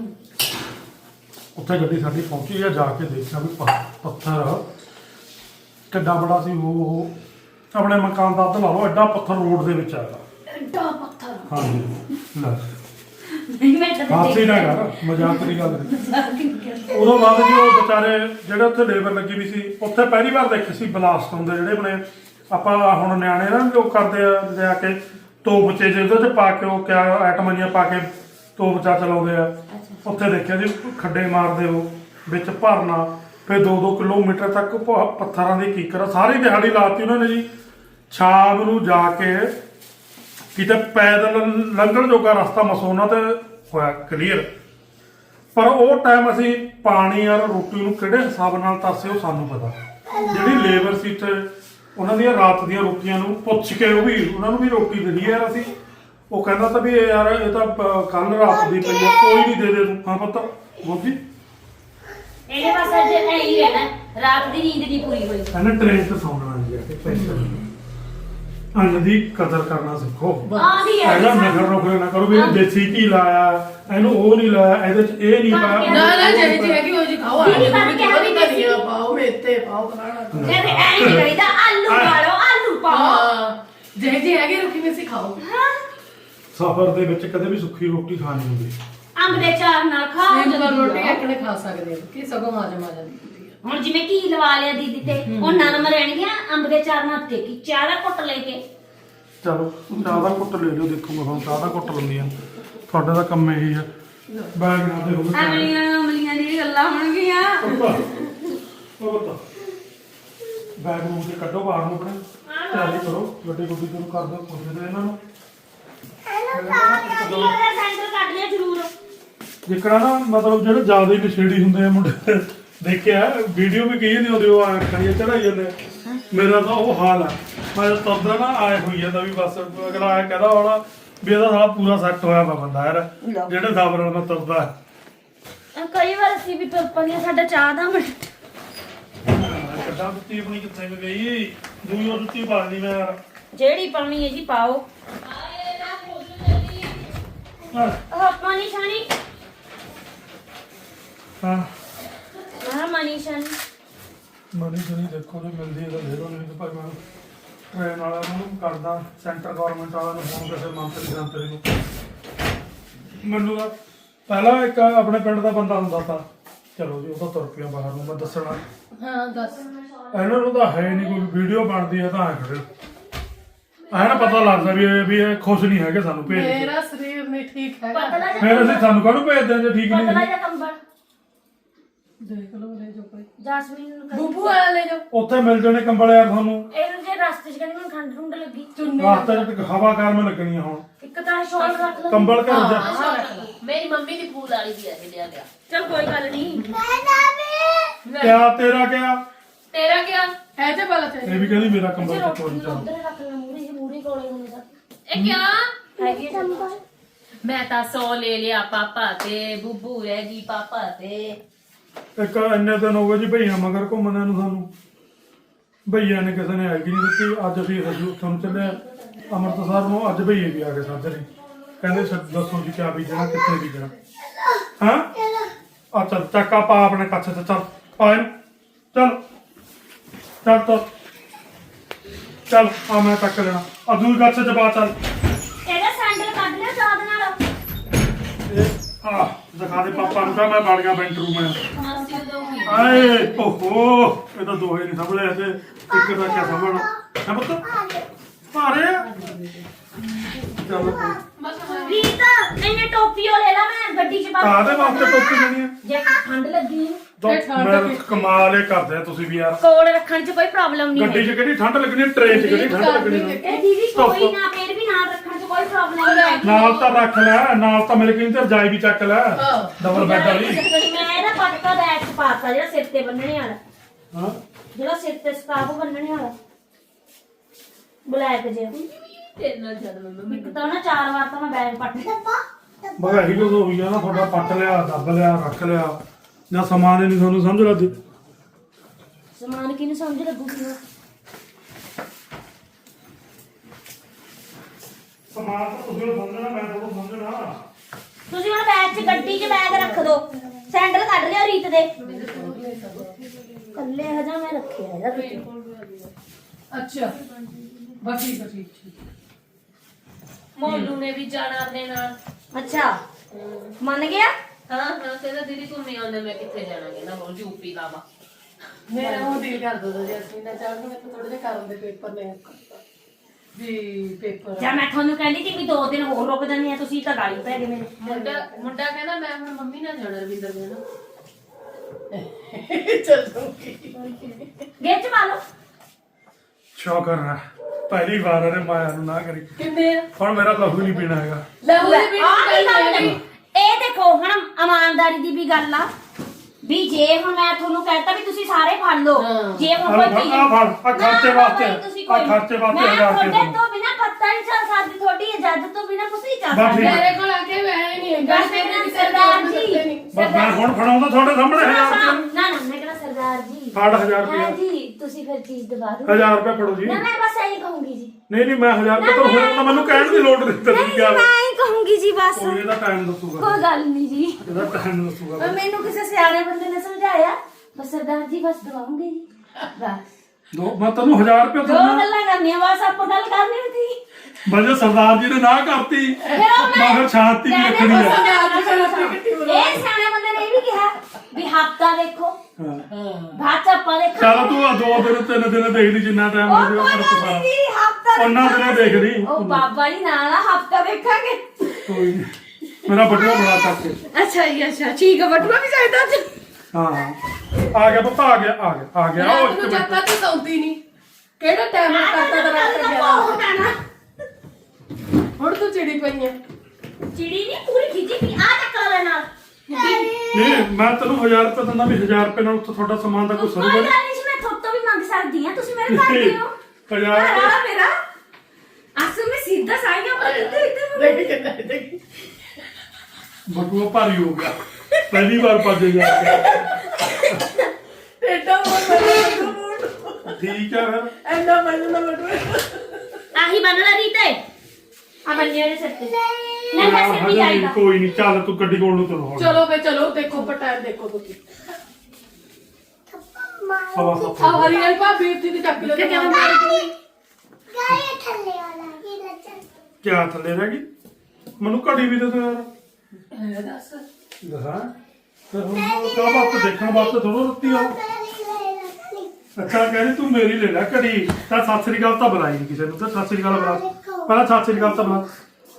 Speaker 1: ਉੱਥੇ ਗੱਡੀ ਸਾਡੀ ਪਹੁੰਚੀ ਆ। ਜਾ ਕੇ ਦੇਖਿਆ ਵੀ ਪ- ਪੱਥਰ ਕਿੱਡਾ ਬੜਾ ਸੀ। ਉਹ ਆਪਣੇ ਮਕਾਨ ਦਾ ਅੱਧ ਲਾ ਲਓ, ਐਡਾ ਪੱਥਰ ਰੋਡ ਦੇ ਵਿੱਚ ਆਇਆ।
Speaker 2: ਐਡਾ ਪੱਥਰ
Speaker 1: ਹਾਂਜੀ ਲੈ
Speaker 2: ਨਹੀਂ ਮੈਂ ਤਾਂ
Speaker 1: ਹਾਸੇ ਨਾ ਕਰ, ਮਜ਼ਾਕ ਦੀ ਗੱਲ ਨਹੀਂ। ਉਦੋਂ ਬਾਅਦ ਜੀ ਉਹ ਵਿਚਾਰੇ ਜਿਹੜੇ ਉੱਥੇ ਲੇਬਰ ਲੱਗੀ ਵੀ ਸੀ ਉੱਥੇ ਪਹਿਲੀ ਵਾਰ ਦੇਖੇ ਸੀ ਬਲਾਸਟ ਹੁੰਦੇ ਜਿਹੜੇ ਬਣੇ। ਆਪਾਂ ਹੁਣ ਨਿਆਣੇ ਨਾ ਜੋ ਕਰਦੇ ਆ ਲਿਆ ਕੇ ਤੋਪ ਚ ਜਿਹਦੇ ਚ ਪਾ ਕੇ ਉਹ ਕਿਆ ਐਟਮਾਂ ਜਿਹੀਆਂ ਪਾ ਕੇ ਤੋਪ ਚਾ ਚਲਾਉਂਦੇ ਆ। ਉੱਥੇ ਦੇਖਿਆ ਜੀ ਖੱਡੇ ਮਾਰਦੇ ਉਹ ਵਿੱਚ ਭਰਨਾ, ਫਿਰ ਦੋ ਦੋ ਕਿਲੋਮੀਟਰ ਤੱਕ ਪ- ਪੱਥਰਾਂ ਦੀ ਕੀਕਰ ਸਾਰੀ ਦਿਹਾੜੀ ਲਾਤੀ ਉਹਨਾਂ ਨੇ ਜੀ। ਸ਼ਾਮ ਨੂੰ ਜਾ ਕੇ ਕਿਤੇ ਪੈਦਲ ਲੰਘਣ ਜੋਗਾ ਰਸਤਾ ਮਸੋਨਾ ਤੇ ਹੋਇਆ ਕਲੀਅਰ। ਪਰ ਉਹ ਟਾਈਮ ਅਸੀਂ ਪਾਣੀ ਔਰ ਰੋਟੀ ਨੂੰ ਕਿਹੜੇ ਹਿਸਾਬ ਨਾਲ ਤਰਸੇ ਉਹ ਸਾਨੂੰ ਪਤਾ। ਜਿਹੜੀ ਲੇਬਰ ਸੀ ਤੇ ਉਹਨਾਂ ਦੀਆਂ ਰਾਤ ਦੀਆਂ ਰੋਟੀਆਂ ਨੂੰ ਪੁੱਛ ਕੇ ਉਹ ਵੀ ਉਹਨਾਂ ਨੂੰ ਵੀ ਰੋਟੀ ਦੇਣੀ ਯਾਰ ਅਸੀਂ। ਉਹ ਕਹਿੰਦਾ ਤਾਂ ਵੀ ਇਹ ਯਾਰ ਇਹ ਤਾਂ ਕੱਲ ਰਾਤ ਦੀ ਪਈ ਹੈ, ਕੋਈ ਨਹੀਂ ਦੇ ਦੇ ਤੂੰ। ਹਾਂ ਪੁੱਤ ਗੋਗੀ
Speaker 2: ਇਹਨੇ ਬਸ ਅੱਜ ਐਂ ਹੀ ਰਹਿਣਾ, ਰਾਤ ਦੀ ਨੀਂਦ ਨਹੀਂ ਪੂਰੀ ਹੋਈ।
Speaker 1: ਕਹਿੰਦਾ ਟ੍ਰੇਨ ਤੇ ਸੌਣਾ ਜੀ ਆ ਕੇ ਪੈਸੇ ਅੰਨ ਦੀ ਕਦਰ ਕਰਨਾ ਸਿੱਖੋ।
Speaker 2: ਆਹੀ ਹੈ
Speaker 1: ਇਹਦਾ ਨਖਰ ਨੁਖਰ ਨਾ ਕਰੋ ਵੀ ਇਹਨੂੰ ਦੇਸੀ ਘੀ ਲਾਇਆ, ਇਹਨੂੰ ਉਹ ਨਹੀਂ ਲਾਇਆ, ਇਹਦੇ ਚ ਇਹ ਨਹੀਂ ਪਾਇਆ।
Speaker 3: ਨਾ ਨਾ ਜਿਹੜੀ ਜੀ ਹੈਗੀ ਉਹ ਜੀ ਖਾਓ।
Speaker 2: ਦੀਦੀ ਬਣ ਕੇ ਹਰੀ
Speaker 3: ਧਨੀਆ ਪਾਓ, ਮੇਥੇ ਪਾਓ, ਖਾਣਾ
Speaker 2: ਕਹਿੰਦੇ ਐਂ ਨਹੀਂ ਕਰੀਦਾ, ਆਲੂ ਪਾ ਲਓ, ਆਲੂ ਪਾਓ।
Speaker 3: ਹਾਂ ਜਿਹੜੀ ਜੀ ਹੈਗੀ ਰੁੱਖੀ ਮਿੱਸੀ ਖਾਓ।
Speaker 2: ਹਾਂ
Speaker 1: ਸਫ਼ਰ ਦੇ ਵਿੱਚ ਕਦੇ ਵੀ ਸੁੱਕੀ ਰੋਟੀ ਖਾਣੀ ਹੁੰਦੀ।
Speaker 2: ਅੰਬ ਦੇ ਚਾਰ ਨਾਲ ਖਾਓ
Speaker 3: ਸਿੰਪਲ
Speaker 2: ਜਲਦੀ
Speaker 3: ਰੋਟੀ
Speaker 2: ਲਾਓ।
Speaker 3: ਐਕੜੇ ਖਾ ਸਕਦੇ ਹੋ ਕਿ ਸਗੋਂ ਹਾਜ਼ਮ ਆ ਜਾਂਦੀ ਹੁੰਦੀ ਹੈ।
Speaker 2: ਹੁਣ ਜਿਵੇਂ ਘੀ ਲਵਾ ਲਿਆ ਦੀਦੀ ਤੇ ਉਹ ਨਰਮ ਰਹਿਣਗੀਆਂ ਅੰਬ ਦੇ ਚਾਰ ਨਾਲ ਤੇ ਕੀ ਚਾਹ ਦਾ ਘੁੱਟ ਲੈ ਕੇ।
Speaker 1: ਚਲੋ ਚਾਹ ਦਾ ਘੁੱਟ ਲੈ ਲਿਓ, ਦੇਖੂਗਾ ਹੁਣ ਚਾਹ ਦਾ ਘੁੱਟ ਲੈਂਦੀ ਆ। ਤੁਹਾਡਾ ਤਾਂ ਕੰਮ ਇਹੀ ਆ ਬੈਗ ਨਾ ਦੇ ਹੋਵੇ
Speaker 2: ਅਮਲੀਆਂ ਅਮਲੀਆਂ ਦੀ ਗੱਲਾਂ ਹੋਣਗੀਆਂ।
Speaker 1: ਉਹ ਬਤਾ ਬੈਗ ਨੂੰ ਤੇ ਕੱਢੋ ਬਾਹਰ ਨੂੰ ਆਪਣੇ, ਤਿਆਰੀ ਕਰੋ, ਗੱਡੀ ਗੁੱਡੀ ਤੋਂ ਕਰ ਦਿਓ, ਪੁੱਛ ਦੇ ਇਹਨਾਂ ਨੂੰ।
Speaker 2: ਸੈਂਟਰ ਕੱਢ ਲਿਆ ਜ਼ਰੂਰ।
Speaker 1: ਜਿਕੜਾ ਨਾ ਮਤਲਬ ਜਿਹੜੇ ਜ਼ਿਆਦਾ ਹੀ ਨਸ਼ੇੜੀ ਹੁੰਦੇ ਆ ਮੁੰਡੇ ਦੇਖਿਆ ਵੀਡੀਓ ਵੀ ਕਹੀ ਨਹੀਂ ਆਉਂਦੀ, ਉਹ ਆ ਖੜੀਆਂ ਚੜਾਈ ਜਾਂਦੇ। ਮੇਰਾ ਤਾਂ ਉਹ ਹਾਲ ਆ, ਮੈਂ ਤੁਰਦਾ ਨਾ ਆਏ ਹੋਈ ਜਾਂਦਾ ਵੀ ਬਸ ਅਗਲਾ ਆਇਆ ਕਹਿੰਦਾ ਹੋਣਾ ਵੀ ਇਹਦਾ ਸਾਲਾ ਪੂਰਾ ਸੈੱਟ ਹੋਇਆ ਵਾ ਬੰਦਾ ਯਾਰ ਜਿਹੜੇ ਹਿਸਾਬ ਨਾਲ ਮੈਂ ਤੁਰਦਾ।
Speaker 2: ਕਈ ਵਾਰ ਅਸੀਂ ਵੀ ਤੁਰ ਪੰਗੇ, ਸਾਡਾ ਚਾਹ ਦਾ ਮਿੰਟ
Speaker 1: ਕੱਢਾਂ ਜੁੱਤੀ ਆਪਣੀ ਕਿੱਥੇ ਕੁ ਗਈ, ਦੂਈ ਉਹ ਜੁੱਤੀ ਪਾ ਲਈ ਮੈਂ ਯਾਰ।
Speaker 2: ਜਿਹੜੀ ਪਾਉਣੀ ਹੈ ਜੀ ਪਾਓ।
Speaker 1: ਹਾਂ
Speaker 2: ਆਹ ਪਾਣੀ ਛਾਣੀ
Speaker 1: ਹਾਂ
Speaker 2: ਆਹ ਮਨੀ ਛਾਣੀ
Speaker 1: ਮਨੀ ਜਣੀ ਦੇਖੋ ਜੇ ਮਿਲਦੀ ਹੈ ਤਾਂ ਦੇ ਦੋ, ਨਹੀਂ ਤਾਂ ਭਾਈ ਮੈਂ ਟ੍ਰੇਨ ਵਾਲਿਆਂ ਨੂੰ ਕਰਦਾ ਸੈਂਟਰ ਗਵਰਨਮੈਂਟ ਵਾਲਿਆਂ ਨੂੰ ਫੋਨ ਕਿਸੇ ਮੰਤਰੀ ਸੰਤਰੀ ਨੂੰ ਮੈਨੂੰ ਤਾਂ ਪਹਿਲਾਂ ਇੱਕ ਆਪਣੇ ਪਿੰਡ ਦਾ ਬੰਦਾ ਹੁੰਦਾ ਤਾਂ ਚਲੋ ਜੀ ਉਹ ਤਾਂ ਤੁਰ ਪਿਆ ਬਾਹਰ ਨੂੰ ਮੈਂ ਦੱਸਣਾ
Speaker 3: ਹਾਂ ਦੱਸ
Speaker 1: ਇਹਨਾਂ ਨੂੰ ਤਾਂ ਹੈ ਨਹੀਂ ਕੋਈ ਵੀਡੀਓ ਬਣਦੀ ਹੈ ਤਾਂ ਐ ਖੜੇ ਐ ਨਾ ਪਤਾ ਲੱਗਦਾ ਵੀ ਇਹ ਵੀ ਇਹ ਖੁਸ਼ ਨਹੀਂ ਹੈਗੇ ਸਾਨੂੰ ਭੇਜ ਕੇ
Speaker 3: ਮੇਰਾ ਸਰੀਰ ਨਹੀਂ ਠੀਕ ਹੈਗਾ
Speaker 2: ਪਤਲਾ ਜਿਹਾ
Speaker 1: ਫਿਰ ਅਸੀਂ ਸਾਨੂੰ ਕਾਹਨੂੰ ਭੇਜਦੇ ਹਾਂ ਜੇ ਠੀਕ
Speaker 2: ਪਤਲਾ
Speaker 1: ਨਹੀਂ
Speaker 2: ਜਿਹਾ ਕੰਬਲ
Speaker 3: ਦੇਖ ਲਓ ਲੈ ਜੋ ਕੋਈ
Speaker 2: ਜਾਸਮੀਨ ਨੂੰ ਕਹਿੰਦੀ-
Speaker 3: ਬੂਬੂ ਵਾਲਾ ਲੈ ਜੋ
Speaker 1: ਉੱਥੇ ਮਿਲ ਜਾਣੇ ਕੰਬਲ ਯਾਰ ਤੁਹਾਨੂੰ
Speaker 2: ਇਹਨੂੰ ਜੇ ਰਸਤੇ 'ਚ ਕਹਿੰਦੀ ਮੈਨੂੰ ਖੰਡ ਖੁੰਡ ਲੱਗੀ
Speaker 3: ਚੁੰਨੀ
Speaker 1: ਰਾਸਤੇ 'ਚ ਹਵਾ ਗਰਮ ਲੱਗਣੀ ਆ ਹੁਣ
Speaker 2: ਇੱਕ ਤਾਂ ਸ਼ੋਲ ਰੱਖ ਲਓ
Speaker 1: ਕੰਬਲ ਘਰ ਜਾ
Speaker 4: ਮੇਰੀ ਮੰਮੀ ਦੀ ਫੂਲ ਵਾਲੀ ਦੀ ਹੈ ਲਿਆ ਲਿਆ
Speaker 2: ਚਲ ਕੋਈ ਗੱਲ ਨਹੀਂ
Speaker 1: ਕਿਆ ਤੇਰਾ ਕਿਆ
Speaker 4: ਤੇਰਾ ਕਿਆ
Speaker 3: ਹੈ ਜੇ ਵਾਲਾ ਤੇ
Speaker 1: ਇਹ ਵੀ ਕਹਿੰਦੀ ਮੇਰਾ ਕੰਬਲ
Speaker 2: ਜੇ
Speaker 1: ਚੱਕੋ
Speaker 2: ਰੋਟੀ
Speaker 1: ਨਹੀਂ ਚਾਹ
Speaker 2: ਉਧਰ ਰੱਖ ਲੈ ਮੂਰੇ ਮੂਰੇ ਕੋਲੇ ਹੋਣੇ ਦਾ
Speaker 4: ਇਹ ਕਿਆ
Speaker 2: ਹੈਗੀ ਹੈ
Speaker 4: ਮੈਂ ਤਾਂ ਸੌ ਲੈ ਲਿਆ ਪਾਪਾ ਤੇ ਬੁੱਬੂ ਰਹਿ ਗਈ ਪਾਪਾ ਤੇ
Speaker 1: ਇੱਕ ਇੰਨੇ ਦਿਨ ਹੋ ਗਏ ਜੀ ਭਈਆ ਮਗਰ ਘੁੰਮਣ ਨੂੰ ਸਾਨੂੰ ਭਈਆ ਨੇ ਕਿਸੇ ਨੇ ਆਈ ਨਹੀਂ ਦਿੱਤੀ ਅੱਜ ਅਸੀਂ ਹਜੂ ਤੁਹਾਨੂੰ ਚੱਲੇ ਅੰਮ੍ਰਿਤਸਰ ਨੂੰ ਅੱਜ ਭਈਏ ਵੀ ਆ ਗਏ ਸਾਜਰੇ ਕਹਿੰਦੇ ਸ- ਦੱਸੋ ਜੀ ਕਿਆ ਬੀਜਣਾ ਕਿੱਥੇ ਬੀਜਣਾ ਹਾਂ ਆ ਚੱਲ ਚੱਕਾ ਪਾ ਆਪਣੇ ਕੱਛ ਤੇ ਚੱਲ ਪਾ ਇਹਨੂੰ ਚੱਲ ਚੱਲ ਚੱਲ ਚੱਲ ਆ ਮੈਂ ਚੱਕ ਲੈਣਾ ਆ ਦੂਰ ਕੱਛ ਚ ਪਾ ਚੱਲ
Speaker 2: ਇਹਦਾ ਸੈਂਡਲ ਕੱਢ ਲਿਆ ਚਾਦ ਨਾਲ
Speaker 1: ਇਹ ਆ ਦਿਖਾ ਦੇ ਪਾਪਾ ਨੂੰ ਤਾਂ ਮੈਂ ਬਣ ਗਿਆ ਬੈਂਟਰੂ ਮੈਂ
Speaker 4: ਮਾਸੀ ਦਊਂਗੀ
Speaker 1: ਆਏ ਓਹੋ ਇਹ ਤਾਂ ਦੋਹੇ ਨਹੀਂ ਸੰਭਲੇ ਤੇ ਇੱਕ ਦਾ ਕਿਆ ਸੰਭਲਣਾ ਹੈ ਪੁੱਤ ਭਾਰੇ ਆ। ਚੱਲ
Speaker 2: ਰੀਤ ਇਹਨੇ ਟੋਪੀ ਉਹ ਲੈ ਲਾ ਮੈਂ ਗੱਡੀ 'ਚ ਪਾ ਕੇ
Speaker 1: ਕਾਹਦੇ ਵਾਸਤੇ ਟੋਪੀ ਲੈਣੀ ਆ
Speaker 2: ਜੇ ਠੰਡ ਲੱਗੀ ਇਹਨੂੰ,
Speaker 1: ਦੋ
Speaker 3: ਇਹ ਠੰਡ
Speaker 1: ਮੈਂ
Speaker 3: ਲੱਗੀ।
Speaker 1: ਕਮਾਲ ਇਹ ਕਰਦੇ ਆ ਤੁਸੀਂ ਵੀ ਯਾਰ
Speaker 2: ਕੋਲ ਰੱਖਣ 'ਚ ਕੋਈ ਪ੍ਰੋਬਲਮ ਨਹੀਂ
Speaker 1: ਗੱਡੀ
Speaker 2: ਹੈ
Speaker 1: 'ਚ ਕਿਹੜੀ ਠੰਡ ਲੱਗਣੀ ਟ੍ਰੇਨ 'ਚ ਕਿਹੜੀ ਠੰਡ ਲੱਗਣੀ ਆ?
Speaker 2: ਇਹ ਦੀਦੀ ਕੋਈ ਨਾ ਫੇਰ ਵੀ ਨਾਲ ਰੱਖਣ 'ਚ ਕੋਈ ਪ੍ਰੋਬਲਮ ਨਹੀਂ ਹੈ
Speaker 1: ਨਾਲ ਤਾਂ ਰੱਖ ਲੈ ਨਾਲ ਤਾਂ ਮੇਰੇ ਕਹਿੰਦੇ ਤੇ ਰਜਾਈ ਵੀ ਚੱਕ ਲੈ
Speaker 3: ਹਾਂ।
Speaker 1: ਡਬਲ ਬੈੱਡ ਵਾਲੀ
Speaker 2: ਮੈਂ ਇਹਦਾ ਪਟਕਾ ਬੈਗ 'ਚ ਪਾਤਾ ਜਿਹੜਾ ਸਿਰ ਤੇ ਬੰਨਣੇ ਵਾਲਾ
Speaker 1: ਹਾਂ
Speaker 2: ਜਿਹੜਾ ਸਿਰ ਤੇ ਸਕਾਫ ਬੰਨਣੇ ਵਾਲਾ ਬਲੈਕ ਜਿਹਾ
Speaker 4: ਤੇਰੇ ਨਾਲ ਜਦ ਮੰਮੀ
Speaker 2: ਇੱਕ ਤਾਂ ਨਾ ਚਾਰ ਵਾਰ ਤਾਂ ਮੈਂ ਬੈਗ ਪੱਟ
Speaker 1: ਬਗਾ ਹੀ ਕੁਝ ਹੋਈ ਆ ਨਾ ਤੁਹਾਡਾ ਪੱਟ ਲਿਆ ਦੱਬ ਲਿਆ ਰੱਖ ਲਿਆ ਜਾਂ ਸਮਾਨ ਹੀ ਨਹੀਂ ਤੁਹਾਨੂੰ ਸਮਝ ਲੱਗਦੀ
Speaker 2: ਸਮਾਨ ਕਿਹਨੂੰ ਸਮਝ ਲੱਗੂਗੀ ਉਹ?
Speaker 1: ਸਮਾਨ ਤਾਂ ਤੁਸੀਂ ਨੂੰ ਸਮਝਣਾ ਮੈਂ ਤੁਹਾਨੂੰ ਸਮਝਣਾ
Speaker 2: ਤੁਸੀਂ ਹੁਣ ਬੈਗ 'ਚ ਗੱਡੀ 'ਚ ਬੈਗ ਰੱਖ ਦੋ ਸੈਂਡਲ ਕੱਢ ਲਿਆ ਰੀਤ ਦੇ ਕੱਲੇ ਹਜਾ ਮੈਂ ਰੱਖਿਆ ਹੈਗਾ ਕਿਤੇ
Speaker 3: ਅੱਛਾ ਬਸ ਠੀਕ ਹੈ, ਠੀਕ ਠੀਕ
Speaker 4: ਮੋਲੂ ਨੇ ਵੀ ਜਾਣਾ ਆਪਣੇ ਨਾਲ
Speaker 2: ਅੱਛਾ ਮੰਨ ਗਿਆ
Speaker 4: ਹਾਂ ਹਾਂ ਕਹਿੰਦਾ ਦੀਦੀ ਤੂੰ ਨਹੀਂ ਆਉਂਦੇ ਮੈਂ ਕਿੱਥੇ ਜਾਣਾ ਕਹਿੰਦਾ ਹੋਰ ਯੂਪੀ ਲਾਵਾ
Speaker 3: ਮੇਰਾ ਉਹ ਦਿਲ ਕਰਦਾ ਸੀ ਜੈਸਮੀਨ ਨਾਲ ਚਾਹੂੰਗੀ ਮੈਂ ਥੋੜੇ ਜਿਹਾ ਕਰਨ ਦੇ ਪੇਪਰ ਨੇ ਵੀ ਪੇਪਰ
Speaker 2: ਜਾਂ ਮੈਂ ਤੁਹਾਨੂੰ ਕਹਿੰਦੀ ਸੀ ਵੀ ਦੋ ਦਿਨ ਹੋਰ ਰੁਕ ਜਾਂਦੇ ਆ ਤੁਸੀਂ ਤਾਂ ਗਾਲੀ ਪੈ ਗਏ ਮੇਰੇ
Speaker 4: ਮੁੰਡਾ ਮੁੰਡਾ ਕਹਿੰਦਾ ਮੈਂ ਹੁਣ ਮੰਮੀ ਨਾਲ ਜਾਣਾ ਰਵਿੰਦਰ ਦੇ ਨਾਲ
Speaker 3: ਚੱਲ ਜੂਗੀ
Speaker 2: ਗੇਟ 'ਚ ਪਾ ਲਓ
Speaker 1: ਸ਼ੌਕਰ ਹੈ ਪਹਿਲੀ ਵਾਰ ਇਹਨੇ ਮਾਇਆ ਨੂੰ ਨਾ ਕਰੀ
Speaker 3: ਕਿੰਨੇ ਆ
Speaker 1: ਹੁਣ ਮੇਰਾ ਲਹੂ ਨਹੀਂ ਪੀਣਾ ਹੈਗਾ
Speaker 3: ਲਹੂ
Speaker 2: ਲੈ,
Speaker 3: ਦੀ ਵੀ
Speaker 2: ਆਹ ਕੀ ਗੱਲ
Speaker 3: ਨਹੀਂ
Speaker 2: ਹੈ? ਇਹ ਦੇਖੋ ਹੁਣ ਇਮਾਨਦਾਰੀ ਦੀ ਵੀ ਗੱਲ ਆ ਵੀ ਜੇ ਹੁਣ ਮੈਂ ਤੁਹਾਨੂੰ ਕਹਿਤਾ ਵੀ ਤੁਸੀਂ ਸਾਰੇ ਫੜ ਲਓ
Speaker 3: ਹਾਂ।
Speaker 2: ਜੇ ਹੁਣ
Speaker 1: ਆਹ
Speaker 2: ਕੋਈ
Speaker 1: ਫੜ,
Speaker 2: ਚੀਜ਼
Speaker 1: ਆਹ ਫੜ, ਆਹ ਖਰਚੇ
Speaker 2: ਨਾ,
Speaker 1: ਵਾਸਤੇ,
Speaker 2: ਭਾਈ, ਤੁਸੀਂ
Speaker 1: ਆਹ
Speaker 2: ਕੋਈ-
Speaker 1: ਖਰਚੇ ਵਾਸਤੇ
Speaker 2: ਮੈਂ
Speaker 1: ਹਜ਼ਾਰ ਰੁਪਏ
Speaker 2: ਤੁਹਾਡੇ
Speaker 1: ਦਊਂ।
Speaker 2: ਤੋਂ ਬਿਨਾਂ ਪੱਤਾ ਨਹੀਂ ਚੱਲ ਸਕਦੀ ਤੁਹਾਡੀ ਇਜਾਜ਼ਤ ਤੋਂ ਬਿਨਾਂ ਕੁਝ ਨਹੀਂ ਚੱਲ
Speaker 1: ਬਸ ਠੀਕ
Speaker 2: ਸਕਦਾ
Speaker 1: ਹੈ।
Speaker 3: ਮੇਰੇ ਕੋਲ ਆ ਕੇ ਮੈਂ ਨਹੀਂ ਹੈਗਾ
Speaker 2: ਬਸ
Speaker 3: ਤੇਰੇ
Speaker 2: ਮੈਂ
Speaker 3: ਕਿਸੇ
Speaker 2: ਸਰਦਾਰ
Speaker 3: ਨੂੰ
Speaker 2: ਜੀ।
Speaker 3: ਦਿੱਤੇ ਨਹੀਂ
Speaker 1: ਬਸ ਮੈਂ ਹੁਣ ਫੜਾਉਂਦਾ ਤੁਹਾਡੇ ਸਾਹਮਣੇ ਹਜ਼ਾਰ
Speaker 2: ਨਾ
Speaker 1: ਰੁਪਏ
Speaker 2: ਨਾ ਨਾ ਮੈਂ ਕਹਿੰਦਾ ਸਰਦਾਰ ਜੀ
Speaker 1: ਫੜ ਹਜ਼ਾਰ
Speaker 2: ਹਾਂ
Speaker 1: ਰੁਪਏ
Speaker 2: ਜੀ ਤੁਸੀਂ ਫਿਰ ਚੀਜ਼ ਦਵਾ ਦਿਓ
Speaker 1: ਹਜ਼ਾਰ ਰੁਪਏ ਫੜੋ ਜੀ
Speaker 2: ਨਾ ਮੈਂ ਬਸ ਐਂ ਕਹੂੰਗੀ ਜੀ
Speaker 1: ਨਹੀਂ ਨਹੀਂ ਮੈਂ ਹਜ਼ਾਰ ਰੁਪਏ ਤਾਂ ਹੁਣ ਤਾਂ ਮੈਨੂੰ ਕਹਿਣ ਦੀ ਲੋੜ ਨਹੀਂ
Speaker 2: ਨਹੀਂ
Speaker 1: ਤੈਨੂੰ
Speaker 2: ਜੀ
Speaker 1: ਕਿਹਾ
Speaker 2: ਮੈਂ ਐਂ ਕਹੂੰਗੀ ਜੀ ਬਸ
Speaker 1: ਕੋਈ ਇਹਦਾ ਟਾਈਮ ਦੱਸੂਗਾ
Speaker 2: ਕੋਈ ਗੱਲ ਨਹੀਂ ਜੀ
Speaker 1: ਇਹਦਾ ਟਾਈਮ ਦੱਸੂਗਾ
Speaker 2: ਪਰ ਮੈਨੂੰ ਕਿਸੇ ਸਿਆਣੇ ਬੰਦੇ ਨੇ ਸਮਝਾਇਆ ਬਸ ਸਰਦਾਰ ਜੀ ਬਸ ਦਵਾਉਂਗੇ ਜੀ ਬਸ
Speaker 1: ਦੋ ਮੈਂ ਤੈਨੂੰ ਹਜ਼ਾਰ ਰੁਪਏ
Speaker 2: ਦੋ
Speaker 1: ਦੇਣਾ
Speaker 2: ਗੱਲਾਂ ਕਰਨੀਆਂ ਬਸ ਆਪਾਂ ਗੱਲ ਕਰਨੀ ਹੁੰਦੀ
Speaker 1: ਬਜੇ ਸਰਦਾਰ ਜੀ ਨੇ ਨਾ ਕਰਤੀ
Speaker 2: ਫਿਰ ਉਹ
Speaker 1: ਮੈਂ ਫਿਰ ਸ਼ਾਂਤੀ ਵੀ ਰੱਖਣੀ ਹੈ
Speaker 2: ਇਹ ਸਿਆਣੇ ਬੰਦੇ ਨੇ ਇਹ ਵੀ ਕਿਹਾ ਵੀ ਹਫਤਾ ਦੇਖੋ
Speaker 1: ਹਾਂ।
Speaker 2: ਬਾਅਦ ਚ ਆਪਾਂ ਦੇਖਾਂਗੇ
Speaker 1: ਚੱਲ ਤੂੰ ਆ ਦੋ ਦਿਨ ਤਿੰਨ ਦਿਨ ਦੇਖ ਲਈ ਜਿੰਨਾ ਟਾਈਮ
Speaker 2: ਉਹ
Speaker 1: ਹੋ ਜਾਊਗਾ
Speaker 2: ਕੋਈ
Speaker 1: ਪਰ
Speaker 2: ਗੱਲ
Speaker 1: ਸਾਰਾ
Speaker 2: ਨਹੀਂ ਹਫਤਾ
Speaker 1: ਉਹਨਾਂ ਦਿਨਾਂ ਦੇਖ ਲਈ
Speaker 2: ਉਹ ਬਾਬਾ ਜੀ ਨਾਲ ਆ ਹਫਤਾ ਦੇਖਾਂਗੇ
Speaker 1: ਕੋਈ ਨੀ। ਮੇਰਾ ਬਟੂਆ ਬਣਾ ਚੱਕ ਕੇ
Speaker 2: ਅੱਛਾ ਜੀ ਅੱਛਾ ਠੀਕ ਹੈ ਬਟੂਆ ਵੀ ਚਾਹੀਦਾ ਅੱਜ
Speaker 1: ਹਾਂ ਹਾਂ ਆ ਗਿਆ ਪਪਾ ਆ ਗਿਆ ਆ ਗਿਆ ਆ ਗਿਆ ਉਹ
Speaker 3: ਰਾਤ
Speaker 1: ਇੱਕ
Speaker 3: ਨੂੰ
Speaker 1: ਮਿੰਟ
Speaker 3: ਜਾਪਾ ਤੇ ਸੌਂਦੀ ਨਹੀਂ ਕਿਹੜਾ ਟਾਈਮ ਕਰਤਾ ਤਾਂ ਰਾਤ ਦਾ
Speaker 2: ਬਹੁਤ ਆ ਨਾ
Speaker 3: ਹੁਣ ਤੂੰ ਚਿੜੀ ਪਈ ਆ
Speaker 2: ਚਿੜੀ ਨਹੀਂ ਪੂਰੀ ਖਿੱਚੀ ਪਈ ਆ ਚੱਕਰ ਲੈ ਨਾਲ
Speaker 1: ਨਹੀਂ ਮੈਂ ਤੈਨੂੰ ਹਜ਼ਾਰ ਰੁਪਏ ਦਿੰਦਾ ਵੀ ਹਜ਼ਾਰ ਰੁਪਏ ਨਾਲ ਉੱਥੇ ਤੁਹਾਡਾ ਸਮਾਨ ਦਾ ਕੋਈ
Speaker 2: ਕੋਈ
Speaker 1: ਸਰੂਗਾ
Speaker 2: ਗੱਲ ਨਹੀਂ ਜੀ ਮੈਂ ਥੋਤੋਂ ਵੀ ਮੰਗ ਸਕਦੀ ਆ ਤੁਸੀਂ ਮੇਰੇ ਘਰ ਦੇ ਹੋ
Speaker 1: ਹਜ਼ਾਰ
Speaker 2: ਘਰ
Speaker 1: ਰੁਪਏ
Speaker 2: ਆ ਮੇਰਾ ਅਸਲ में सीधा साइड पर इधर इधर
Speaker 3: ਦੇਖ ਕਿੰਨਾ ਦੇਖ
Speaker 1: ਬਟੂਆ ਭਾਰੀ ਹੋ ਗਿਆ ਪਹਿਲੀ ਵਾਰ ਪਾਜੇ ਜਾ ਕੇ
Speaker 3: ਟੇਡਾ ਮੋੜ
Speaker 1: ਠੀਕ ਹੈ ਫਿਰ
Speaker 3: ਐਨਾ ਮੈਨੂੰ ਨਾ ਮੋੜ
Speaker 2: ਆਹੀ ਬਣ ਲਾ ਰੀਤੇ ਆ ਬੰਨਿਆ ਦੇ ਸੱਤੇ ਨਹੀਂ ਮੈਂ ਸਿਰ ਨਹੀਂ
Speaker 1: ਹਜੇ
Speaker 2: ਜਾਏਗਾ
Speaker 1: ਕੋਈ ਨਹੀਂ ਚੱਲ ਤੂੰ ਗੱਡੀ ਕੋਲ ਨੂੰ ਚਲੋ ਹੁਣ
Speaker 3: ਚਲੋ ਫੇ ਚਲੋ ਦੇਖੋ ਪਟਾਇਰ ਦੇਖੋ ਤੁਸੀਂ
Speaker 1: ਸਵਾ ਸੱਤ
Speaker 3: ਆ ਹਰੀਅਲ ਭਾਬੀ ਉੱਤੀ ਦੀ ਚੱਕ ਲੈ
Speaker 2: ਕਿ ਕਹਿੰਦਾ
Speaker 1: ਕਿਆ ਥੱਲੇ ਰਹਿ ਗਈ ਮੈਨੂੰ ਘੜੀ ਵੀ ਦੇ ਦੋ ਯਾਰ
Speaker 3: ਹੈ ਦੱਸ
Speaker 1: ਦੱਸਾਂ ਫਿਰ ਹੁਣ ਕਾ ਵਾਸਤੇ ਦੇਖਣ ਵਾਸਤੇ ਥੋੜੋ ਦਿੱਤੀ ਆ ਅੱਛਾ ਕਹਿੰਦੀ ਤੂੰ ਮੇਰੀ ਲੈ ਲੈ ਘੜੀ ਤਾਂ ਸਤਿ ਸ੍ਰੀ ਅਕਾਲ ਤਾਂ ਬੁਲਾਈ ਨਹੀਂ ਕਿਸੇ ਨੂੰ ਤਾਂ ਸਤਿ ਸ੍ਰੀ ਅਕਾਲ ਬੁਲਾ ਪਹਿਲਾਂ ਸਤਿ ਸ੍ਰੀ ਅਕਾਲ ਤਾਂ ਬੁਲਾ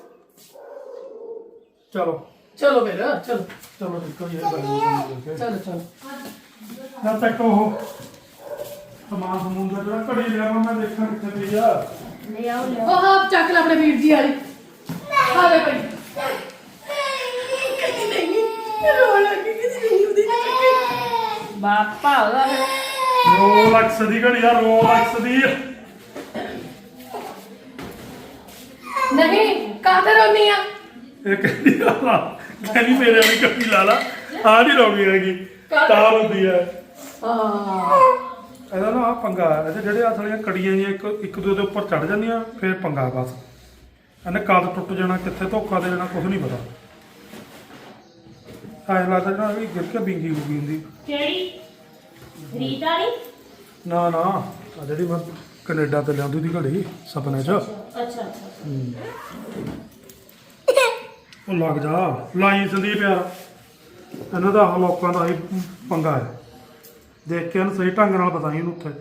Speaker 1: ਚਲੋ
Speaker 3: ਚਲੋ ਫਿਰ ਚਲੋ
Speaker 1: ਚਲੋ ਦੇਖੋ ਇਹ
Speaker 3: ਚਲੋ ਚਲੋ
Speaker 1: ਜਦ ਤੱਕ ਉਹ ਸਮਾਨ ਸਮੂਨ ਦਾ ਜਿਹੜਾ ਘੜੀ ਲਿਆ ਮੈਂ ਦੇਖਾਂ ਕਿੱਥੇ ਪਈ ਆ
Speaker 2: ਲੈ ਆਓ ਲੈ
Speaker 3: ਉਹ ਆਪ ਚੱਕ ਲੈ ਆਪਣੇ ਵੀਰ ਜੀ ਵਾਲੀ ਆਵੇ ਪਈ ਕਿਤੇ ਨਹੀਂ ਰੋ ਲੱਗੀ ਕਿਤੇ ਨਹੀਂ ਉਹਦੀ
Speaker 2: ਬਾਪਾ ਉਹਦਾ
Speaker 1: ਰੋਲੈਕਸ ਦੀ ਘੜੀ ਆ ਰੋਲੈਕਸ ਦੀ
Speaker 3: ਨਹੀਂ ਕਾਹਤੇ ਰੋਨੀ ਆ
Speaker 1: ਇਹ ਕਹਿੰਦੀ ਆ ਕਹਿੰਦੀ ਮੇਰੇ ਵਾਲੀ ਘੜੀ ਲਾ ਲਾ ਆ ਨਹੀਂ ਰੋਗੀ ਹੈਗੀ ਤਾਰ ਹੁੰਦੀ ਹੈ
Speaker 3: ਹਾਂ
Speaker 1: ਇਹਦਾ ਨਾ ਆ ਪੰਗਾ ਹੈ ਇਹਦੇ ਜਿਹੜੇ ਆ ਸਾਲੀਆਂ ਕੜੀਆਂ ਜੀਆਂ ਇੱਕ ਇੱਕ ਦੂਜੇ ਦੇ ਉੱਪਰ ਚੜ ਜਾਂਦੀਆਂ ਫਿਰ ਪੰਗਾ ਬਸ ਇਹਨੇ ਕਦ ਟੁੱਟ ਜਾਣਾ ਕਿੱਥੇ ਧੋਖਾ ਦੇ ਜਾਣਾ ਕੁਝ ਨਹੀਂ ਪਤਾ ਐਂ ਲੱਗਦਾ ਜਿਹੜਾ ਵੀ ਗਿਰ ਕੇ ਬਿੰਗੀ ਹੋ ਗਈ ਹੁੰਦੀ
Speaker 2: ਕਿਹੜੀ ਰੀਤ ਵਾਲੀ
Speaker 1: ਨਾ ਨਾ ਆ ਜਿਹੜੀ ਮੈਂ ਕੈਨੇਡਾ ਤੇ ਲਿਆਂਦੀ ਦੀ ਘੜੀ ਸੁਪਨੇ 'ਚ
Speaker 2: ਅੱਛਾ ਅੱਛਾ
Speaker 1: ਉਹ ਲੱਗ ਜਾ ਲਾਈ ਸੰਦੀਪ ਯਾਰ ਇਹਨਾਂ ਦਾ ਆਹ ਲੋਕਾਂ ਦਾ ਹੀ ਪੰਗਾ ਹੈ ਦੇਖ ਕੇ ਇਹਨੂੰ ਸਹੀ ਢੰਗ ਨਾਲ ਬਤਾਈ ਇਹਨੂੰ ਉੱਥੇ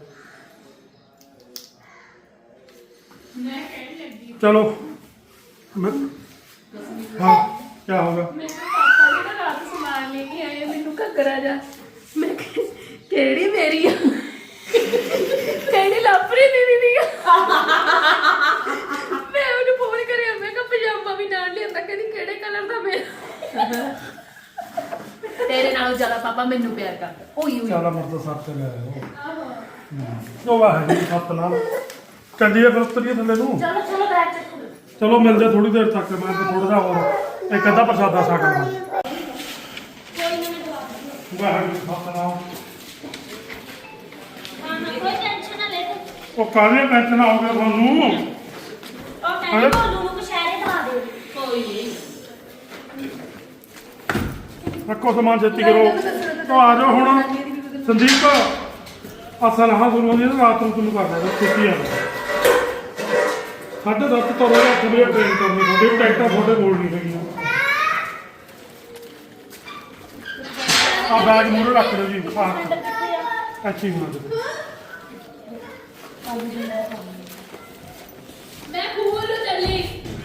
Speaker 1: ਚਲੋ ਮੈਂ ਹਾਂ ਕੀ ਹੋ ਗਿਆ
Speaker 3: ਮੈਨੂੰ ਪਾਪਾ ਜੀ ਨਾ ਰਾਤ ਸਮਾਨ ਲੈ ਕੇ ਆਏ ਮੈਨੂੰ ਘੱਗਰਾ ਜਾ ਮੈਂ ਕਿਹਾ, ਕਿਹੜੀ ਮੇਰੀ ਆ ਕਹਿੰਦੀ ਲਾਪਰੀ ਦੀਦੀ ਦੀ ਆ ਮੈਂ ਉਹਨੂੰ ਫੋਨ ਕਰਿਆ ਮੈਂ ਕਿਹਾ ਪਜਾਮਾ ਵੀ ਨਾਲ ਲਿਆਂਦਾ ਕਹਿੰਦੀ ਕਿਹੜੇ ਕਲਰ ਦਾ ਮੇਰਾ ਤੇਰੇ ਨਾਲੋਂ ਜ਼ਿਆਦਾ ਪਾਪਾ ਮੈਨੂੰ ਪਿਆਰ ਕਰਦਾ ਓਏ ਓਏ
Speaker 1: ਚੱਲ ਮਰਦ ਸੱਤ ਤੇ ਲੈ ਆਓ ਉਹ ਵਾਹ ਜੀ ਸੱਤ ਨਾਲ ਚੱਲੀਏ ਫਿਰ ਉਤਰੀਏ ਥੱਲੇ ਨੂੰ
Speaker 2: ਚਲੋ ਚਲੋ ਬੈਠ ਚੱਕੋ
Speaker 1: ਚਲੋ ਮਿਲਦੇ ਥੋੜੀ ਦੇਰ ਤੱਕ ਮੈਂ ਤੇ ਥੋੜਾ ਜਿਹਾ ਹੋਰ ਇੱਕ ਅੱਧਾ ਪ੍ਰਸ਼ਾਦਾ ਛਕਣਾ
Speaker 2: ਕੋਈ ਨਾ ਮੈਂ ਦਵਾ ਦੂੰਗੀ
Speaker 1: ਵਾਹ ਜੀ ਸੱਤ ਨਾਲ
Speaker 2: ਹਾਂ ਕੋਈ ਟੈਨਸ਼ਨ ਨਾ ਲੈ ਤੂੰ
Speaker 1: ਉਹ ਕਾਹਦੇ ਟੈਨਸ਼ਨ ਆ ਗਿਆ ਤੁਹਾਨੂੰ
Speaker 2: ਉਹ ਕਹਿੰਦੀ ਭੋਲੂ ਨੂੰ ਕਸ਼ਹਿਰੇ ਦਵਾ ਦੇ
Speaker 4: ਕੋਈ ਨਹੀਂ
Speaker 1: ਰੱਖੋ ਸਮਾਨ ਛੇਤੀ ਕਰੋ ਤਾਂ ਆ ਜਾਓ ਹੁਣ ਸੰਦੀਪ ਅਸਲ ਹਾਂ ਸੁਣੋ ਜੀ ਰਾਤ ਨੂੰ ਤੁਹਾਨੂੰ ਕਰ ਦੇਣਾ ਛੇਤੀ ਆ ਸਾਢੇ ਦਸ ਤੋਂ ਰੋਜ਼ ਅੱਠ ਵਜੇ ਟ੍ਰੇਨ ਕਰਨੀ ਤੁਹਾਡੀ ਟਿਕਟਾਂ ਤੁਹਾਡੇ ਕੋਲ ਨਹੀਂ ਹੈਗੀਆਂ ਆ ਬੈਗ ਮੂਹਰੇ ਰੱਖ ਲਓ ਜੀ ਆ ਅੱਛੀ ਬਣਾ ਦਿਓ
Speaker 3: ਮੈਂ ਖੂਲ ਨੂੰ ਚੱਲੀ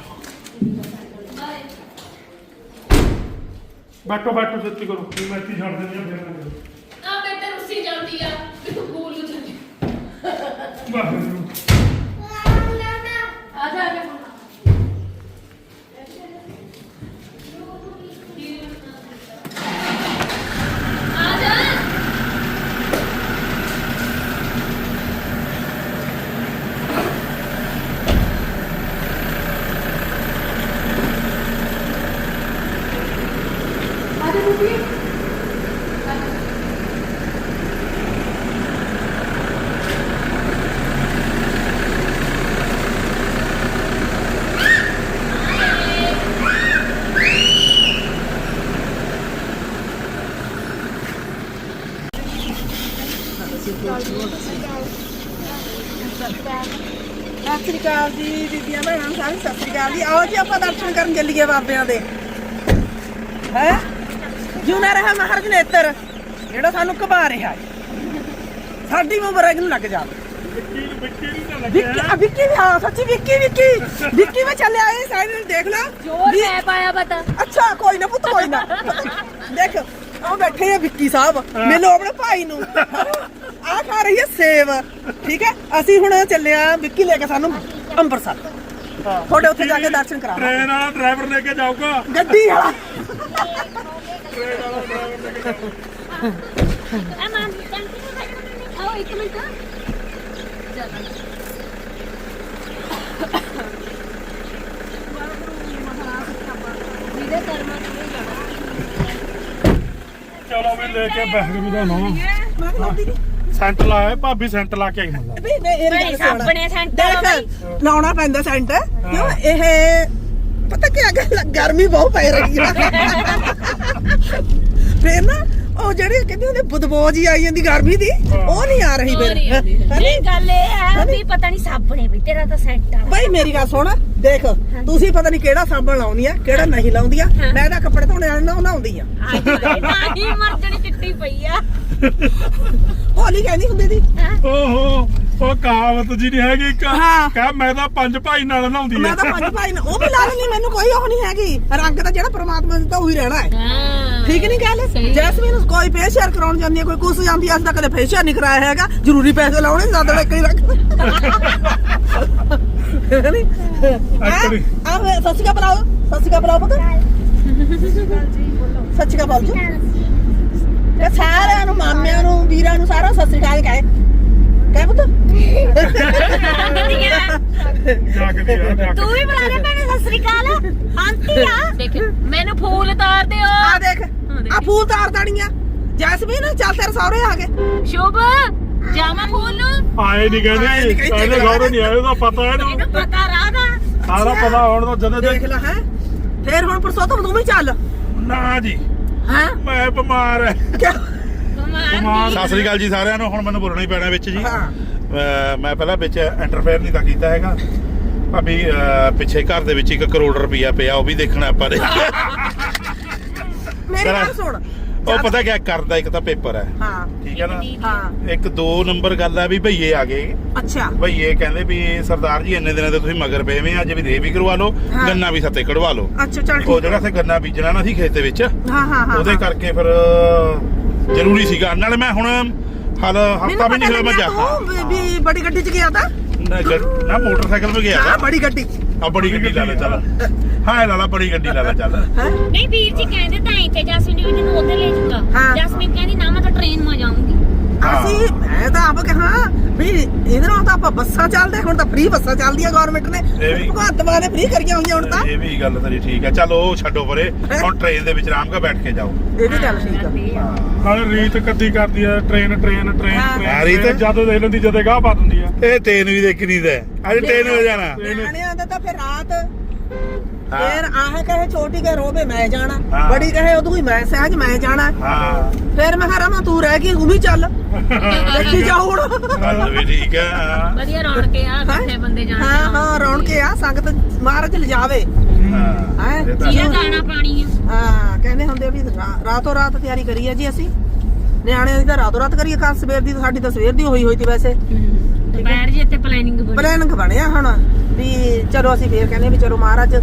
Speaker 1: ਬੈਠੋ ਬੈਠੋ ਛੇਤੀ ਕਰੋ ਮੈਂ ਇੱਥੇ ਛੱਡ ਦਿੰਦੀ ਆ ਫਿਰ ਮੈਂ
Speaker 3: ਆ ਮੈਂ ਤੇ ਰੁੱਸੀ ਜਾਂਦੀ ਆ ਕਿ ਤੂੰ ਖੂਲ ਨੂੰ ਚੱਲੀ
Speaker 1: ਵਾਹਿਗੁਰੂ
Speaker 3: ਆ ਜਾ ਆ ਜਾ ਆ ਜਾ ਆ ਜਾ ਬੁੱਢੀ
Speaker 5: ਸਤਿ ਸ੍ਰੀ ਅਕਾਲ ਜੀ ਬੀਬੀਆਂ ਭੈਣਾਂ ਸਾਰੇ ਸਤਿ ਸ੍ਰੀ ਅਕਾਲ ਜੀ ਆਓ ਜੀ ਆਪਾਂ ਦਰਸ਼ਨ ਕਰਨ ਚੱਲੀਏ ਬਾਬਿਆਂ ਦੇ ਹੈ ਜਿਉਣਾ ਰਿਹਾ ਮਹਾਰਾਜ ਨੇਤਰ ਜਿਹੜਾ ਸਾਨੂੰ ਘਬਾ ਰਿਹਾ ਹੈ। ਸਾਡੀ ਉਮਰ ਨੂੰ ਲੱਗ ਜਾਵੇ ਵਿੱਕੀ ਆ ਵਿੱਕੀ ਵੀ ਹਾਂ ਸੱਚੀ ਵਿੱਕੀ ਵਿੱਕੀ ਵਿੱਕੀ ਵਿੱਚ ਚੱਲਿਆ ਇਹ ਸਾਈਡ ਨੂੰ ਦੇਖ ਲੈ
Speaker 4: ਜੋਰ ਮੈਂ ਪਾਇਆ ਪਤਾ
Speaker 5: ਅੱਛਾ ਕੋਈ ਨਾ ਪੁੱਤ ਕੋਈ ਨਾ ਦੇਖ ਉਹ ਬੈਠੇ ਆ ਵਿੱਕੀ ਸਾਹਿਬ ਮਿਲੋ ਆਪਣੇ ਭਾਈ ਨੂੰ ਆ ਖਾ ਰਹੀ ਹੈ ਸੇਬ ਠੀਕ ਹੈ ਅਸੀਂ ਹੁਣ ਚੱਲੇ ਆ ਵਿੱਕੀ ਲੈ ਕੇ ਸਾਨੂੰ ਅੰਮ੍ਰਿਤਸਰ ਤੁਹਾਡੇ ਉੱਥੇ ਜਾ ਕੇ ਦਰਸ਼ਨ ਕਰਾਵਾਂਗੇ
Speaker 1: ਟ੍ਰੇਨ ਵਾਲਾ ਡਰਾਈਵਰ ਲੈ ਕੇ ਜਾਊਗਾ
Speaker 5: ਗੱਡੀ ਵਾਲਾ
Speaker 1: ਟ੍ਰੇਨ ਵਾਲਾ ਡਰਾਈਵਰ ਲੈ ਕੇ
Speaker 2: ਆ ਮਾਂ ਟੈਂਕੀ ਨੂੰ ਬੈਠੋ ਆਓ ਇੱਕ ਮਿੰਟ
Speaker 1: ਚਲੋ ਵੀ ਲੈ ਕੇ ਬਹਿਗਰੂ ਦਾ ਨਾਮ ਸੈਂਟ ਲਾਇਆ ਭਾਬੀ ਸੈਂਟ ਲਾ ਕੇ ਆਈ ਮੱਲਾ
Speaker 5: ਵੀ ਨਹੀਂ ਇਹ
Speaker 2: ਭਾਈ ਸਾਹਮਣੇ ਸੈਂਟਰ
Speaker 5: ਦੇਖ ਲਾਉਣਾ ਪੈਂਦਾ ਸੈਂਟ ਕਿਉਂ ਇਹ ਪਤਾ ਕੀ ਗੱਲ ਗਰਮੀ ਬਹੁਤ ਪੈ ਰਹੀ ਹੈ ਫੇਰ ਨਾ ਉਹ ਜਿਹੜੀ ਕਹਿੰਦੇ ਹੁੰਦੇ ਬਦਬੂ ਜੀ ਆਈ ਜਾਂਦੀ ਗਰਮੀ ਦੀ ਉਹ ਨਹੀਂ ਆ ਰਹੀ ਫਿਰ
Speaker 2: ਨਹੀਂ ਗੱਲ ਇਹ ਹੈ ਵੀ ਪਤਾ ਨਹੀਂ ਸਾਬਣੇ ਵੀ ਤੇਰਾ ਤਾਂ ਸੈੱਟ ਆ
Speaker 5: ਭਾਈ ਮੇਰੀ ਗੱਲ ਸੁਣ ਦੇਖ ਤੁਸੀਂ ਪਤਾ ਨਹੀਂ ਕਿਹੜਾ ਸਾਬਣ ਲਾਉਂਦੀ ਆ ਕਿਹੜਾ ਨਹੀਂ ਲਾਉਂਦੀ ਆ ਮੈਂ ਤਾਂ ਕੱਪੜੇ ਧੋਣੇ ਵਾਲੇ ਨਾਲ ਨਹਾਉਂਦੀ ਆ
Speaker 2: ਨਹੀਂ ਮਰਜਣੀ ਚਿੱਟੀ ਪਈ ਆ
Speaker 5: ਹੋਲੀ ਕਹਿੰਦੀ ਹੁੰਦੀ ਦੀ
Speaker 1: ਓਹੋ ਉਹ ਕਹਾਵਤ ਜੀ ਨਹੀਂ ਹੈਗੀ ਇੱਕ
Speaker 5: ਹਾਂ।
Speaker 1: ਕਹ ਮੈਂ ਤਾਂ ਪੰਜ ਭਾਈ ਨਾਲ ਨਹਾਉਂਦੀ
Speaker 5: ਮੈਂ
Speaker 1: ਆ
Speaker 5: ਤਾਂ ਪੰਜ ਭਾਈ ਨੇ ਉਹ ਵੀ ਲਾ ਲੈਣੀ ਮੈਨੂੰ ਕੋਈ ਉਹ ਨਹੀਂ ਹੈਗੀ ਰੰਗ ਤਾਂ ਜਿਹੜਾ ਪ੍ਰਮਾਤਮਾ ਨੇ ਦਿੱਤਾ ਉਹੀ ਰਹਿਣਾ ਹੈ
Speaker 4: ਹਾਂ
Speaker 5: ਠੀਕ ਨਹੀਂ ਗੱਲ
Speaker 4: ਸਹੀ।
Speaker 5: ਜੈਸਮੀਨ ਕੋਈ ਫੇਸ਼ੀਅਲ ਕਰਾਉਣ ਜਾਂਦੀ ਹੈ ਕੋਈ ਕੁਛ ਜਾਂਦੀ ਹੈ ਅੱਜ ਤੱਕ ਕਦੇ ਫੇਸ਼ੀਅਲ ਨਹੀਂ ਕਰਾਇਆ ਹੈਗਾ ਜ਼ਰੂਰੀ ਪੈਸੇ ਲਾਉਣੇ ਜ਼ਿਆਦਾ ਇੱਕ ਹੀ ਰੱਖ ਨਹੀਂ
Speaker 1: Actually-
Speaker 5: ਆ ਆ ਸਤਿ ਸ਼੍ਰੀ ਅਕਾਲ ਬੁਲਾਓ ਸਤਿ ਸ਼੍ਰੀ ਅਕਾਲ ਬੁਲਾਓ ਪੁੱਤ ਸਤਿ ਸ਼੍ਰੀ ਅਕਾਲ ਬੁਲਾਓ ਜੀ ਤੇ ਸਾਰਿਆਂ ਨੂੰ ਮਾਮਿਆਂ ਨੂੰ ਵੀਰਾਂ ਨੂੰ ਸਾਰਾ ਸਤਿ ਸ਼੍ਰੀ ਅਕਾਲ ਕਹੇ ਕਹਿ ਪੁੱਤ
Speaker 1: ਜਾਗਦੀ ਆ ਜਾਗ
Speaker 2: ਤੂੰ ਵੀ ਬੁਲਾ ਦੇ ਭੈਣੇ ਸਤਿ ਸ੍ਰੀ ਅਕਾਲ ਆਂਟੀ ਆ
Speaker 4: ਦੇਖ ਮੈਨੂੰ ਫੂਲ ਤਾਰ ਦਿਓ
Speaker 5: ਆ ਦੇਖ ਆ ਫੂਲ ਤਾਰ ਦਾਣੀਆਂ ਜੈਸਮੀਨ ਚੱਲ ਤੇਰੇ ਸਹੁਰੇ ਆ ਗਏ
Speaker 4: ਸ਼ੁਭ ਜਾਮਾ ਫੂਲ ਨੂੰ
Speaker 1: ਆਏ ਨਹੀਂ
Speaker 5: ਆਏ ਨੀ
Speaker 1: ਕਹਿੰਦੇ
Speaker 5: ਕਹਿੰਦੇ।
Speaker 1: ਇਹਦੇ ਘਰੋਂ ਨਹੀਂ ਆਏ ਉਹਦਾ ਪਤਾ ਇਹਨੂੰ
Speaker 2: ਇਹਨੂੰ ਪਤਾ ਰਾਦਾ
Speaker 1: ਸਾਰਾ ਪਤਾ ਹੁਣ ਤਾਂ ਜਦੋਂ
Speaker 5: ਦੇਖ ਲੈ ਹੈ ਫੇਰ ਹੁਣ ਪਰਸੋਤਮ ਤੂੰ ਵੀ ਚੱਲ
Speaker 1: ਨਾ ਜੀ
Speaker 5: ਹੈ
Speaker 1: ਮੈਂ ਬਿਮਾਰ ਹੈ
Speaker 5: ਕਿਆ
Speaker 1: ਬਿਮਾਰ
Speaker 6: ਸਤਿ ਸ੍ਰੀ ਅਕਾਲ ਜੀ ਸਾਰਿਆਂ ਨੂੰ ਹੁਣ ਮੈਨੂੰ ਬੋਲਣਾ ਹੀ ਪੈਣਾ ਵਿੱਚ ਜੀ
Speaker 5: ਹਾਂ
Speaker 6: ਅਹ ਮੈਂ ਪਹਿਲਾਂ ਵਿੱਚ ਇੰਟਰਫੇਅਰ ਨਹੀਂ ਤਾਂ ਕੀਤਾ ਹੈਗਾ ਭਾਬੀ ਅਹ ਪਿੱਛੇ ਘਰ ਦੇ ਵਿੱਚ ਇੱਕ ਕਰੋੜ ਰੁਪਈਆ ਪਿਆ ਉਹ ਵੀ ਦੇਖਣਾ ਆਪਾਂ ਨੇ
Speaker 5: ਮੇਰੀ ਗੱਲ ਸੁਣ
Speaker 6: ਉਹ ਪਤਾ ਕਿਆ ਕਰਦਾ ਇੱਕ ਤਾਂ ਪੇਪਰ ਹੈ
Speaker 5: ਹਾਂ
Speaker 6: ਠੀਕ ਹੈ ਨਾ
Speaker 5: ਹਾਂ
Speaker 6: ਇੱਕ ਦੋ ਨੰਬਰ ਗੱਲ ਹੈ ਵੀ ਭਈਏ ਆ ਗਏ
Speaker 5: ਅੱਛਾ
Speaker 6: ਭਈਏ ਕਹਿੰਦੇ ਵੀ ਸਰਦਾਰ ਜੀ ਇੰਨੇ ਦਿਨਾਂ ਤੇ ਤੁਸੀਂ ਮਗਰ ਪਏ ਵੇ ਅੱਜ ਵੀ ਦੇ ਵੀ ਕਰਵਾ ਲਓ
Speaker 5: ਹਾਂ।
Speaker 6: ਗੰਨਾ ਵੀ ਸੱਤੇ ਕਢਵਾ ਲਓ
Speaker 5: ਅੱਛਾ ਚੱਲ
Speaker 6: ਉਹ
Speaker 5: ਠੀਕ
Speaker 6: ਜਿਹੜਾ ਸੇ ਗੰਨਾ ਬੀਜਣਾ ਨਾ ਸੀ ਖੇਤ ਦੇ ਵਿੱਚ
Speaker 5: ਹਾਂ ਹਾਂ ਹਾਂ
Speaker 6: ਉਹਦੇ ਕਰਕੇ ਫਿਰ ਜ਼ਰੂਰੀ ਸੀਗਾ ਨਾਲੇ ਮੈਂ ਹੁਣ ਹਾਲ ਹਫਤਾ ਵੀ ਨਹੀਂ ਹੋਇਆ ਮੈਂ ਜਾ
Speaker 5: ਤੂੰ ਵੀ ਬੜੀ ਗੱਡੀ 'ਚ ਗਿਆ ਤਾਂ
Speaker 6: ਨਾ ਗੱਡ- ਨਾ ਮੋਟਰਸਾਈਕਲ 'ਤੇ ਗਿਆ
Speaker 5: ਹਾਂ
Speaker 6: ਤਾ।
Speaker 5: ਬੜੀ ਗੱਡੀ
Speaker 6: ਆ ਬੜੀ ਗੱਡੀ ਲਾ ਲੈ ਚੱਲ ਹਾਂ ਲਾ ਲਾ ਬੜੀ ਗੱਡੀ ਲਾ ਲੈ ਚੱਲ
Speaker 5: ਹੈ
Speaker 2: ਨਹੀਂ ਵੀਰ ਜੀ ਕਹਿੰਦੇ ਤਾਂ ਇੱਥੇ ਜਸਮੀਨ ਵੀ ਤੈਨੂੰ ਉੱਧਰ ਲੈ ਜਾਊਗਾ
Speaker 5: ਹਾਂ।
Speaker 2: ਜਸਮੀਨ ਕਹਿੰਦੀ ਨਾ ਮੈਂ ਤਾਂ ਟ੍ਰੇਨ ਮਾ ਜਾਊਂਗੀ
Speaker 5: ਅਸੀਂ ਮੈਂ ਤਾਂ ਆਪ ਕਹਾਂ ਵੀ ਇਹਦੇ ਨਾਲ ਤਾਂ ਆਪਾਂ ਬੱਸਾਂ ਚੱਲਦੇ ਹੁਣ ਤਾਂ ਫ੍ਰੀ ਬੱਸਾਂ ਚੱਲਦੀਆਂ ਗਵਰਨਮੈਂਟ ਨੇ
Speaker 6: ਇਹ ਵੀ-
Speaker 5: ਭਗਵੰਤ ਮਾਨ ਨੇ ਫ੍ਰੀ ਕਰੀਆਂ ਹੋਈਆਂ ਹੁਣ ਤਾਂ
Speaker 6: ਇਹ ਵੀ ਗੱਲ ਤੇਰੀ ਠੀਕ ਹੈ ਚੱਲ ਉਹ ਛੱਡੋ ਪਰੇ ਹੁਣ ਟ੍ਰੇਨ ਦੇ ਵਿੱਚ ਆਰਾਮ ਨਾਲ ਬੈਠ ਕੇ ਜਾਓ
Speaker 5: ਇਹ ਵੀ ਗੱਲ ਠੀਕ ਆ
Speaker 1: ਨਾਲੇ ਰੀਤ ਕੱਦੀ ਕਰਦੀ ਆ ਟ੍ਰੇਨ ਟ੍ਰੇਨ ਟ੍ਰੇਨ
Speaker 5: ਹਾਂ।
Speaker 6: ਹਾਂ, ਰੀਤ।
Speaker 1: ਟ੍ਰੇਨ ਜਦੋਂ ਦੇਖ ਲੈਂਦੀ ਜਦੇ ਗਾਹ ਪਾ ਦਿੰਦੀ ਆ
Speaker 6: ਇਹ ਟ੍ਰੇਨ ਵੀ ਦੇਖਣੀ ਦਾ ਅੱਜ ਟ੍ਰੇਨ ਹੋ ਜਾਣਾ
Speaker 5: ਨਿਆਣਿਆਂ ਦਾ ਤਾਂ ਫਿਰ ਰਾਤ
Speaker 6: ਹਾਂ।
Speaker 5: ਫਿਰ ਆਹ ਕਹੇ ਛੋਟੀ ਕਹੇ ਰੋਵੇ ਮੈਂ ਜਾਣਾ
Speaker 6: ਹਾਂ।
Speaker 5: ਬੜੀ ਕਹੇ ਉਦੋਂ ਹੀ ਮੈਂ ਸਹਿਜ ਮੈਂ ਜਾਣਾ
Speaker 6: ਹਾਂ
Speaker 5: ਫਿਰ ਮੈਂ ਕਿਹਾ ਰਮਾ ਤੂੰ ਰਹਿ ਗਈ ਤੂੰ ਵੀ ਚੱਲ ਦੇਖੀ ਜਾ ਹੁਣ
Speaker 6: ਗੱਲ ਵੀ ਠੀਕ ਹੈ ਹਾਂ।
Speaker 4: ਵਧੀਆ ਰੌਣਕ ਆ ਇਕੱਠੇ ਬੰਦੇ ਜਾਣ
Speaker 5: ਹਾਂ ਹਾਂ ਰੌਣਕ ਆ ਸੰਗਤ ਮਹਾਰਾਜ ਲਿਜਾਵੇ
Speaker 6: ਹਾਂ
Speaker 5: ਹੈਂ?
Speaker 6: ਇਹ ਤਾਂ-
Speaker 4: ਜਿਹਦਾ ਦਾਣਾ ਪਾਣੀ ਆ
Speaker 5: ਹਾਂ ਕਹਿੰਦੇ ਹੁੰਦੇ ਵੀ ਰਾ- ਰਾਤੋਂ ਰਾਤ ਤਿਆਰੀ ਕਰੀ ਹੈ ਜੀ ਅਸੀਂ ਨਿਆਣਿਆਂ ਦੀ ਤਾਂ ਰਾਤੋਂ ਰਾਤ ਕਰੀਏ ਕੱਲ ਸਵੇਰ ਦੀ ਤਾਂ ਸਾਡੀ ਤਾਂ ਸਵੇਰ ਦੀ ਹੋਈ ਹੋਈ ਸੀ ਵੈਸੇ
Speaker 4: ਦੁਪਹਿਰ ਜੀ ਇੱਥੇ ਪਲੈਨਿੰਗ ਬਣੀ
Speaker 5: ਪਲਾਨਿੰਗ ਬਣਿਆ ਹੁਣ ਵੀ ਚਲੋ ਅਸੀਂ ਫੇਰ ਕਹਿੰਦੇ ਵੀ ਚਲੋ ਮਹਾਰਾਜ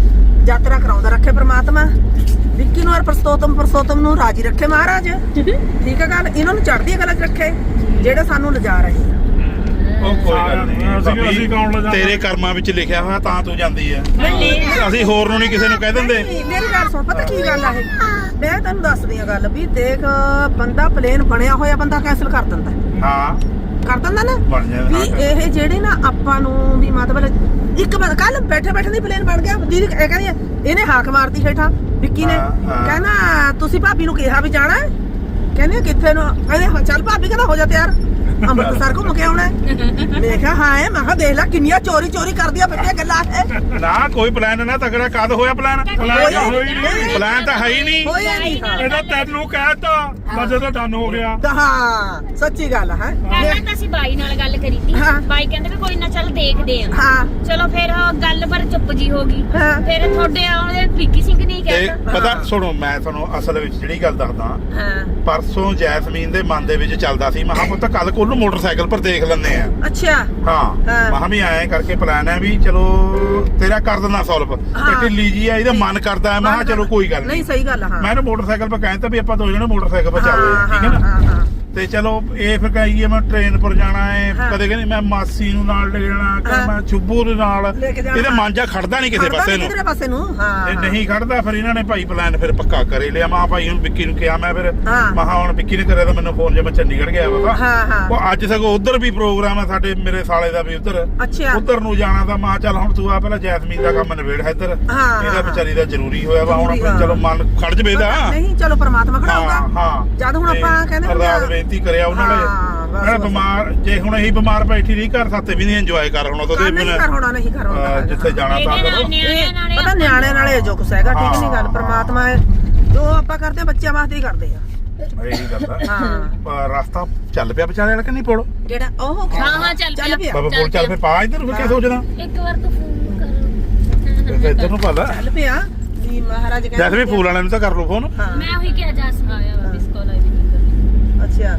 Speaker 5: ਯਾਤਰਾ ਕਰਾਉਂਦਾ ਰੱਖੇ ਪ੍ਰਮਾਤਮਾ ਵਿੱਕੀ ਨੂੰ ਔਰ ਪ੍ਰਸਤੋਤਮ ਪ੍ਰਸਤੋਤਮ ਨੂੰ ਰਾਜੀ ਰੱਖੇ ਮਹਾਰਾਜ ਠੀਕ ਹੈ ਗੱਲ ਇਹਨਾਂ ਨੂੰ ਚੜ੍ਹਦੀ ਕਲਾ 'ਚ ਰੱਖੇ ਜਿਹੜੇ ਸਾਨੂੰ ਲਿਜਾ ਰਹੇ ਆ।
Speaker 6: ਉਹ ਕੋਈ ਗੱਲ ਨਹੀਂ
Speaker 1: ਅਸੀਂ- ਅਸੀਂ ਕੌਣ ਲੈ
Speaker 6: ਭਾਬੀ,
Speaker 1: ਜਾਂਦੇ?
Speaker 6: ਤੇਰੇ ਕਰਮਾਂ ਵਿੱਚ ਲਿਖਿਆ ਹੋਇਆ ਤਾਂ ਤੂੰ ਜਾਂਦੀ ਹੈ ਅਸੀਂ ਹੋਰ ਨੂੰ ਨਹੀਂ ਕਿਸੇ ਨੂੰ ਕਹਿ ਦਿੰਦੇ
Speaker 5: ਨਹੀਂ, ਮੇਰੀ ਗੱਲ ਸੁਣ ਪਤਾ ਕੀ ਗੱਲ ਆ ਇਹ ਮੈਂ ਤੈਨੂੰ ਦੱਸਦੀ ਆ ਗੱਲ ਵੀ ਦੇਖ ਬੰਦਾ ਪਲੇਨ ਬਣਿਆ ਹੋਇਆ ਬੰਦਾ ਕੈਂਸਲ ਕਰ ਦਿੰਦਾ
Speaker 6: ਹਾਂ
Speaker 5: ਕਰ ਦਿੰਦਾ ਨਾ
Speaker 6: ਬਣ ਜਾਂਦਾ
Speaker 5: ਵੀ ਇਹ ਜਿਹੜੇ ਨਾ ਆਪਾਂ ਨੂੰ ਵੀ ਮਤਲਬ ਇੱਕ ਕੱਲ ਬੈਠੇ ਬੈਠੇ ਦੀ ਪਲੇਨ ਬਣ ਗਿਆ ਦੀਦੀ ਇਹ ਕਹਿੰਦੀ ਆ, ਇਹਨੇ ਹਾਕ ਮਾਰਤੀ ਹੇਠਾਂ ਵਿੱਕੀ ਨੇ
Speaker 6: ਹਾਂ, ਹਾਂ।
Speaker 5: ਕਹਿੰਦਾ ਤੁਸੀਂ ਭਾਬੀ ਨੂੰ ਕਿਹਾ ਵੀ ਜਾਣਾ ਹੈ? ਕਹਿੰਦੇ ਕਿੱਥੇ ਨੂੰ ਕਹਿੰਦੇ ਹਾਂ, ਚੱਲ ਭਾਬੀ ਕਹਿੰਦਾ ਹੋ ਜਾ ਤਿਆਰ ਅੰਮ੍ਰਿਤਸਰ ਘੁੰਮ ਕੇ ਆਉਣਾ ਹੈ। ਮੈਂ ਕਿਹਾ ਹਾਂ ਹੈ ਮੈਂ ਕਿਹਾ ਦੇਖ ਲੈ ਕਿੰਨੀਆਂ ਚੋਰੀ ਚੋਰੀ ਕਰਦੀਆਂ ਫਿਰਦੀਆਂ ਗੱਲਾਂ ਹੈ
Speaker 6: ਨਾ ਕੋਈ ਪਲਾਨ ਨਾ ਤਗੜਾ ਕਦ ਹੋਇਆ ਪਲਾਨ
Speaker 1: ਪਲਾਨ ਤਾਂ ਹੋਈ ਨਹੀਂ
Speaker 6: ਪਲਾਨ ਤਾਂ ਹੈ ਹੀ ਨਹੀਂ
Speaker 5: ਹੋਇਆ ਨਹੀਂ ਹਾਂ।
Speaker 1: ਇਹਦਾ ਤੈਨੂੰ ਕਹਿਤਾ ਮੈਂ ਜਦੋਂ ਡਨ ਹੋ ਗਿਆ
Speaker 5: ਤਾਂ ਹਾਂ ਸੱਚੀ ਗੱਲ ਹੈ
Speaker 2: ਪਹਿਲਾਂ ਤਾਂ ਅਸੀਂ ਬਾਈ ਨਾਲ ਗੱਲ ਕਰੀ ਸੀ
Speaker 5: ਹਾਂ।
Speaker 2: ਬਾਈ ਕਹਿੰਦੇ ਵੀ ਕੋਈ ਨਾ ਚੱਲ ਦੇਖਦੇ ਆ
Speaker 5: ਹਾਂ
Speaker 2: ਚਲੋ ਫਿਰ ਉਹ ਗੱਲ ਪਰ ਚੁੱਪ ਜੀ ਹੋ ਗਈ
Speaker 5: ਹਾਂ।
Speaker 2: ਫਿਰ ਤੁਹਾਡੇ ਆਉਂਦੇ ਵਿੱਕੀ ਸਿੰਘ ਨੇ
Speaker 6: ਤੇ
Speaker 2: ਕਹਿਤਾ
Speaker 6: ਪਤਾ ਸੁਣੋ ਮੈਂ ਤੁਹਾਨੂੰ ਅਸਲ ਵਿੱਚ ਜਿਹੜੀ ਗੱਲ ਦੱਸਦਾ
Speaker 5: ਹਾਂ
Speaker 6: ਪਰਸੋਂ ਜੈਸਮੀਨ ਦੇ ਮਨ ਦੇ ਵਿੱਚ ਚੱਲਦਾ ਸੀ ਮਹਾ ਪੁੱਤ ਕੱਲ ਕੋਲ ਨੂੰ ਮੋਟਰਸਾਈਕਲ ਪਰ ਦੇਖ ਲੈਂਦੇ ਆ
Speaker 5: ਅੱਛਾ
Speaker 6: ਹਾਂ
Speaker 5: ਹਾਂ।
Speaker 6: ਮਹਾ ਵੀ ਐਂ ਕਰਕੇ ਪਲਾਨ ਹੈ ਵੀ ਚਲੋ ਤੇਰਾ ਕਰ ਦਿੰਦਾ ਸੋਲਵ ਤੇ
Speaker 5: ਹਾਂ।
Speaker 6: ਢਿੱਲੀ ਜੀ ਆ ਇਹਦਾ ਮਨ ਕਰਦਾ ਹੈ ਮਹਾ ਚਲੋ ਕੋਈ ਗੱਲ
Speaker 5: ਨਹੀਂ
Speaker 6: ਨਹੀਂ
Speaker 5: ਸਹੀ ਗੱਲ ਆ, ਹਾਂ
Speaker 6: ਮੈਂ ਇਹਨੂੰ ਮੋਟਰਸਾਈਕਲ 'ਤੇ ਕਹਿੰਦਾ ਵੀ ਆਪਾਂ ਦੋ ਜਣੇ ਮੋਟਰਸਾਈਕਲ 'ਤੇ ਚੱਲਦੇ
Speaker 5: ਹਾਂ
Speaker 6: ਆ ਠੀਕ ਹੈ
Speaker 5: ਹਾਂ
Speaker 6: ਨਾ
Speaker 5: ਹਾਂ ਹਾਂ
Speaker 6: ਤੇ ਚਲੋ ਇਹ ਫਿਰ ਕਹੀਏ ਮੈਂ ਟ੍ਰੇਨ ਪਰ ਜਾਣਾ ਹੈ
Speaker 5: ਹਾਂ।
Speaker 6: ਕਦੇ ਕਹਿੰਦੀ ਮੈਂ ਮਾਸੀ ਨੂੰ ਨਾਲ ਲੈ ਜਾਣਾ
Speaker 5: ਹਾਂ।
Speaker 6: ਕਦੇ ਮੈਂ ਚੁੱਬੂ ਦੇ ਨਾਲ
Speaker 5: ਲੈ ਕੇ ਜਾਣਾ।
Speaker 6: ਇਹਦੇ ਮਨ ਜਾ ਖੜਦਾ ਨਹੀਂ ਕਿਸੇ
Speaker 5: ਖੜਦਾ
Speaker 6: ਪਾਸੇ
Speaker 5: ਨੀ
Speaker 6: ਨੂੰ
Speaker 5: ਕਿਧਰੇ ਪਾਸੇ ਨੂੰ ਹਾਂ
Speaker 6: ਇਹ ਨਹੀਂ ਖੜਦਾ ਫਿਰ ਇਹਨਾਂ ਨੇ ਭਾਈ ਪਲਾਨ ਫਿਰ ਪੱਕਾ ਕਰੇ ਲਿਆ ਮਾਂ ਭਾਈ ਹੁਣ ਵਿੱਕੀ ਨੂੰ ਕਿਹਾ ਮੈਂ ਫਿਰ
Speaker 5: ਹਾਂ।
Speaker 6: ਮਹਾ ਹੁਣ ਵਿੱਕੀ ਨੇ ਕਰਿਆ ਤਾਂ ਮੈਨੂੰ ਫੋਨ ਜੇ ਮੈਂ ਚੰਡੀਗੜ੍ਹ ਗਿਆ ਵਾ
Speaker 5: ਹਾਂ ਹਾਂ
Speaker 6: ਉਹ ਅੱਜ ਸਗੋਂ ਉਧਰ ਵੀ ਪ੍ਰੋਗਰਾਮ ਹੈ ਸਾਡੇ ਮੇਰੇ ਸਾਲੇ ਦਾ ਵੀ ਉਧਰ
Speaker 5: ਅੱਛਾ
Speaker 6: ਉਧਰ ਨੂੰ ਜਾਣਾ ਤਾਂ ਮਾਂ ਚੱਲ ਹੁਣ ਤੂੰ ਆ ਪਹਿਲਾਂ ਜੈਸਮੀਨ ਦਾ ਕੰਮ ਨਿਬੇੜ ਹੈ ਇੱਧਰ
Speaker 5: ਹਾਂ,
Speaker 6: ਇਹਦਾ
Speaker 5: ਹਾਂ।
Speaker 6: ਵਿਚਾਰੀ ਦਾ ਜ਼ਰੂਰੀ ਹੋਇਆ ਵਾ ਹੁਣ
Speaker 5: ਜ਼ਰੂਰੀ,
Speaker 6: ਫਿਰ ਚਲੋ ਮਨ ਖੜ ਜਵੇ ਦਾ
Speaker 5: ਨਹੀਂ ਚਲੋ ਪ੍ਰਮਾਤਮਾ
Speaker 6: ਹਾਂ
Speaker 5: ਖੜਾਊਗਾ
Speaker 6: ਹਾਂ
Speaker 5: ਜਦ ਹੁਣ
Speaker 6: ਤੇ
Speaker 5: ਆਪਾਂ ਕਹਿੰਦੇ ਹੁੰਦੇ ਆ-
Speaker 6: ਅਰਦਾਸ ਬੇਨਤੀ ਕਰਿਆ ਉਹਨਾਂ
Speaker 5: ਹਾਂ,
Speaker 6: ਨੇ
Speaker 5: ਬਸ,
Speaker 6: ਮੈਂ
Speaker 5: ਬਸ।
Speaker 6: ਬਿਮਾਰ ਜੇ ਹੁਣ ਇਹੀ ਬਿਮਾਰ ਬੈਠੀ ਰਹੀ ਘਰ ਸਾਤੇ ਵੀ ਨਹੀਂ ਇੰਜੋਏ ਕਰ ਹੁਣ ਉਹਦੇ
Speaker 5: ਨਹੀਂ ਕਰ ਹੋਣਾ ਨਹੀਂ ਕਰ ਹੋਣਾ
Speaker 6: ਅਹ ਜਿੱਥੇ ਜਾਣਾ ਤਾਂ
Speaker 2: ਇਹਦੇ ਨਾਲ
Speaker 6: ਕਰੋ
Speaker 2: ਨਿਆਣਿਆਂ ਨਾਲ
Speaker 5: ਪਤਾ ਨਿਆਣੇ ਨਾਲੇ ਜੋ ਕੁਛ ਹੈਗਾ ਠੀਕ ਨਹੀਂ ਗੱਲ ਪ੍ਰਮਾਤਮਾ ਜੋ ਆਪਾਂ ਕਰਦੇ ਆ ਬੱਚਿਆਂ ਵਾਸਤੇ ਹੀ ਕਰਦੇ ਆ
Speaker 6: ਇਹੀ ਗੱਲ ਆ
Speaker 5: ਹਾਂ
Speaker 6: ਪਰ ਰਸਤਾ ਚੱਲ ਪਿਆ ਵਿਚਾਰੇ ਵਾਲਾ ਕਿ ਨਹੀਂ ਪੁਲ
Speaker 5: ਜਿਹੜਾ ਉਹ
Speaker 4: ਹਾਂ ਹਾਂ ਚੱਲ
Speaker 5: ਚੱਲ ਪਿਆ
Speaker 6: ਬਾਬਾ ਪੁਲ ਚੱਲ ਪਿਆ ਪਾ ਇੱਧਰ ਫਿਰ ਕੀ ਸੋਚਦਾ
Speaker 4: ਇੱਕ ਵਾਰ ਤੂੰ ਫੋਨ ਕਰ
Speaker 6: ਫਿਰ ਇੱਧਰ ਨੂੰ ਪਾ ਲੈ
Speaker 5: ਚੱਲ ਪਿਆ ਵੀ ਮਹਾਰਾਜ
Speaker 6: ਜੈਸੇ ਵੀ ਫੂਲ ਵਾਲਿਆਂ ਨੂੰ ਤਾਂ ਕਰ ਲਓ ਫੋਨ
Speaker 5: ਹਾਂ
Speaker 4: ਮੈਂ ਉਹੀ ਕਿਹਾ ਜਾ ਸਮਾਇਆ ਵਾ ਮਿਸ ਕਾਲ ਆਈ ਵੀ
Speaker 5: ਅੱਛਾ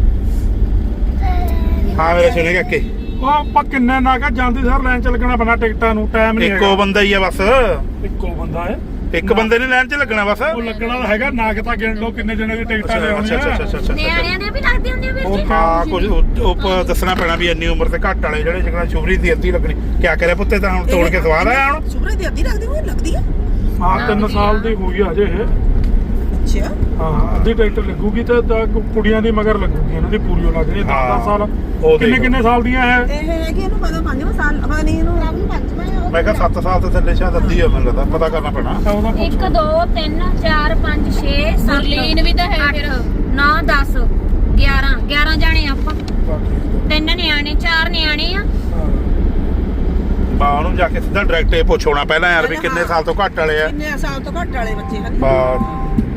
Speaker 6: ਹਾਂ ਮੇਰੇ ਸੁਣੇ ਕਾਕੇ
Speaker 1: ਉਹ ਆਪਾਂ ਕਿੰਨੇ ਨਾ ਕਾ ਜਾਂਦੀ ਸਰ ਲਾਈਨ ਚ ਲੱਗਣਾ ਪੈਣਾ ਟਿਕਟਾਂ ਨੂੰ ਟਾਈਮ ਨਹੀਂ
Speaker 6: ਇੱਕੋ ਬੰਦਾ ਹੀ ਆ ਬਸ
Speaker 1: ਇੱਕੋ ਬੰਦਾ ਹੈ
Speaker 6: ਇੱਕ ਬੰਦੇ ਨੇ ਲਾਈਨ 'ਚ ਲੱਗਣਾ ਬਸ
Speaker 1: ਉਹ ਲੱਗਣਾ ਤਾਂ ਹੈਗਾ ਨਾ ਕਿ ਤਾਂ ਗਿਣ ਲਓ ਕਿੰਨੇ ਜਣੇ ਦੀ ਟਿਕਟਾਂ
Speaker 6: ਅੱਛਾ ਅੱਛਾ
Speaker 1: ਲੈਣੀਆਂ
Speaker 6: ਅੱਛਾ ਅੱਛਾ
Speaker 4: ਨਿਆਣਿਆਂ ਦੇ ਵੀ ਲੱਗਦੇ ਹੁੰਦੇ ਆ ਵੀਰ ਜੀ
Speaker 6: ਹਾਂ ਕੁਝ ਉਹ- ਉਹ ਦੱਸਣਾ ਪੈਣਾ ਵੀ ਇੰਨੀ ਉਮਰ ਤੇ ਘੱਟ ਵਾਲੇ ਜਿਹੜੇ ਜਿਹੜਾ ਸ਼ੁਭਰੀ ਦੀ ਅੱਧੀ ਲੱਗਣੀ ਕਿਆ ਕਰਿਆ ਪੁੱਤੇ ਤਾਂ ਹੁਣ ਤੋੜ ਕੇ ਸਵਾਦ ਆਇਆ ਹੁਣ
Speaker 5: ਸੁਭਰੇ ਦੀ ਅੱਧੀ ਲੱਗਦੀ ਹੋਈ ਲੱਗਦੀ ਆ
Speaker 1: ਹਾਂ ਤਿੰਨ ਸਾਲ ਦੀ ਹੋਈ ਆ ਹਜੇ ਇਹ
Speaker 5: ਅੱਛਾ
Speaker 1: ਹਾਂ ਅੱਧੀ ਟਿਕਟ ਲੱਗੂਗੀ ਤੇ ਤਾਂ ਕੁੜੀਆਂ ਦੀ ਮਗਰ ਲੱਗੂਗੀ ਇਹਨਾਂ ਦੀ ਪੂਰੀ ਹੋ ਲੱਗਣੀ ਦਸ ਦਸ ਸਾਲ
Speaker 6: ਉਹ
Speaker 1: ਕਿੰਨੇ
Speaker 6: ਦੇਖ।
Speaker 1: ਕਿੰਨੇ ਸਾਲ ਦੀਆਂ ਹੈ
Speaker 5: ਇਹ ਹੈਗੀ ਇਹਨੂੰ ਪਤਾ ਪੰਜਵਾਂ ਸਾਲ ਪਤਾ ਨਹੀਂ ਇਹਨੂੰ ਰੱਬ ਨੂੰ ਪੰਜਵਾਂ ਆ
Speaker 6: ਮੈਂ ਕਿਹਾ ਸੱਤ ਸਾਲ ਤੋਂ ਥੱਲੇ ਸ਼ਾਇਦ ਅੱਧੀ ਹੋ ਮੈਨੂੰ ਲੱਗਦਾ ਪਤਾ ਕਰਨਾ ਪੈਣਾ
Speaker 1: ਤਾਂ ਉਹਦਾ ਪੁੱਛ
Speaker 4: ਇੱਕ ਦੋ ਤਿੰਨ ਚਾਰ ਪੰਜ ਛੇ ਸੱਤ ਗੁਰਲੀਨ ਵੀ ਤਾਂ ਹੈ ਫਿਰ
Speaker 2: ਨੌ ਦਸ ਗਿਆਰਾਂ ਗਿਆਰਾਂ ਜਾਣੇ ਆਪਾਂ
Speaker 1: ਬਾਕੀ
Speaker 2: ਤਿੰਨ ਨਿਆਣੇ ਚਾਰ ਨਿਆਣੇ ਆ
Speaker 6: ਬਾ ਉਹਨੂੰ ਜਾ ਕੇ ਸਿੱਧਾ ਡਾਇਰੈਕਟ ਇਹ ਪੁੱਛੋਣਾ ਪਹਿਲਾਂ ਯਾਰ ਵੀ ਕਿੰਨੇ ਸਾਲ ਤੋਂ ਘੱਟ ਵਾਲੇ ਆ
Speaker 5: ਕਿੰਨੇ ਸਾਲ ਤੋਂ ਘੱਟ ਵਾਲੇ ਬੱਚੇ ਹਨ
Speaker 6: ਬਾ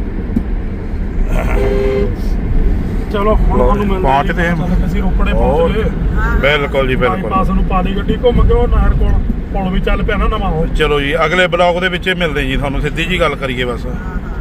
Speaker 1: ਚਲੋ ਹੁਣ ਤੁਹਾਨੂੰ ਮਿਲਦੇ
Speaker 6: ਪਹੁੰਚਦੇ ਹਾਂ।
Speaker 1: ਚੱਲ ਅਸੀਂ ਰੋਪੜੇ ਪਹੁੰਚ ਗਏ
Speaker 6: ਬਿਲਕੁਲ ਜੀ ਬਿਲਕੁਲ
Speaker 1: ਬਾਈਪਾਸ ਨੂੰ ਪਾ ਲਈ ਗੱਡੀ ਘੁੰਮ ਕੇ ਉਹ ਨਹਿਰ ਕੋਲ ਪੁਲ ਵੀ ਚੱਲ ਪਿਆ ਨਾ ਨਵਾਂ ਉਹ
Speaker 6: ਚਲੋ ਜੀ ਅਗਲੇ ਬਲੌਗ ਦੇ ਵਿੱਚ ਮਿਲਦੇ ਜੀ ਤੁਹਾਨੂੰ ਸਿੱਧੀ ਜੀ ਗੱਲ ਕਰੀਏ ਬਸ
Speaker 5: ਹਾਂ ਹਾਂ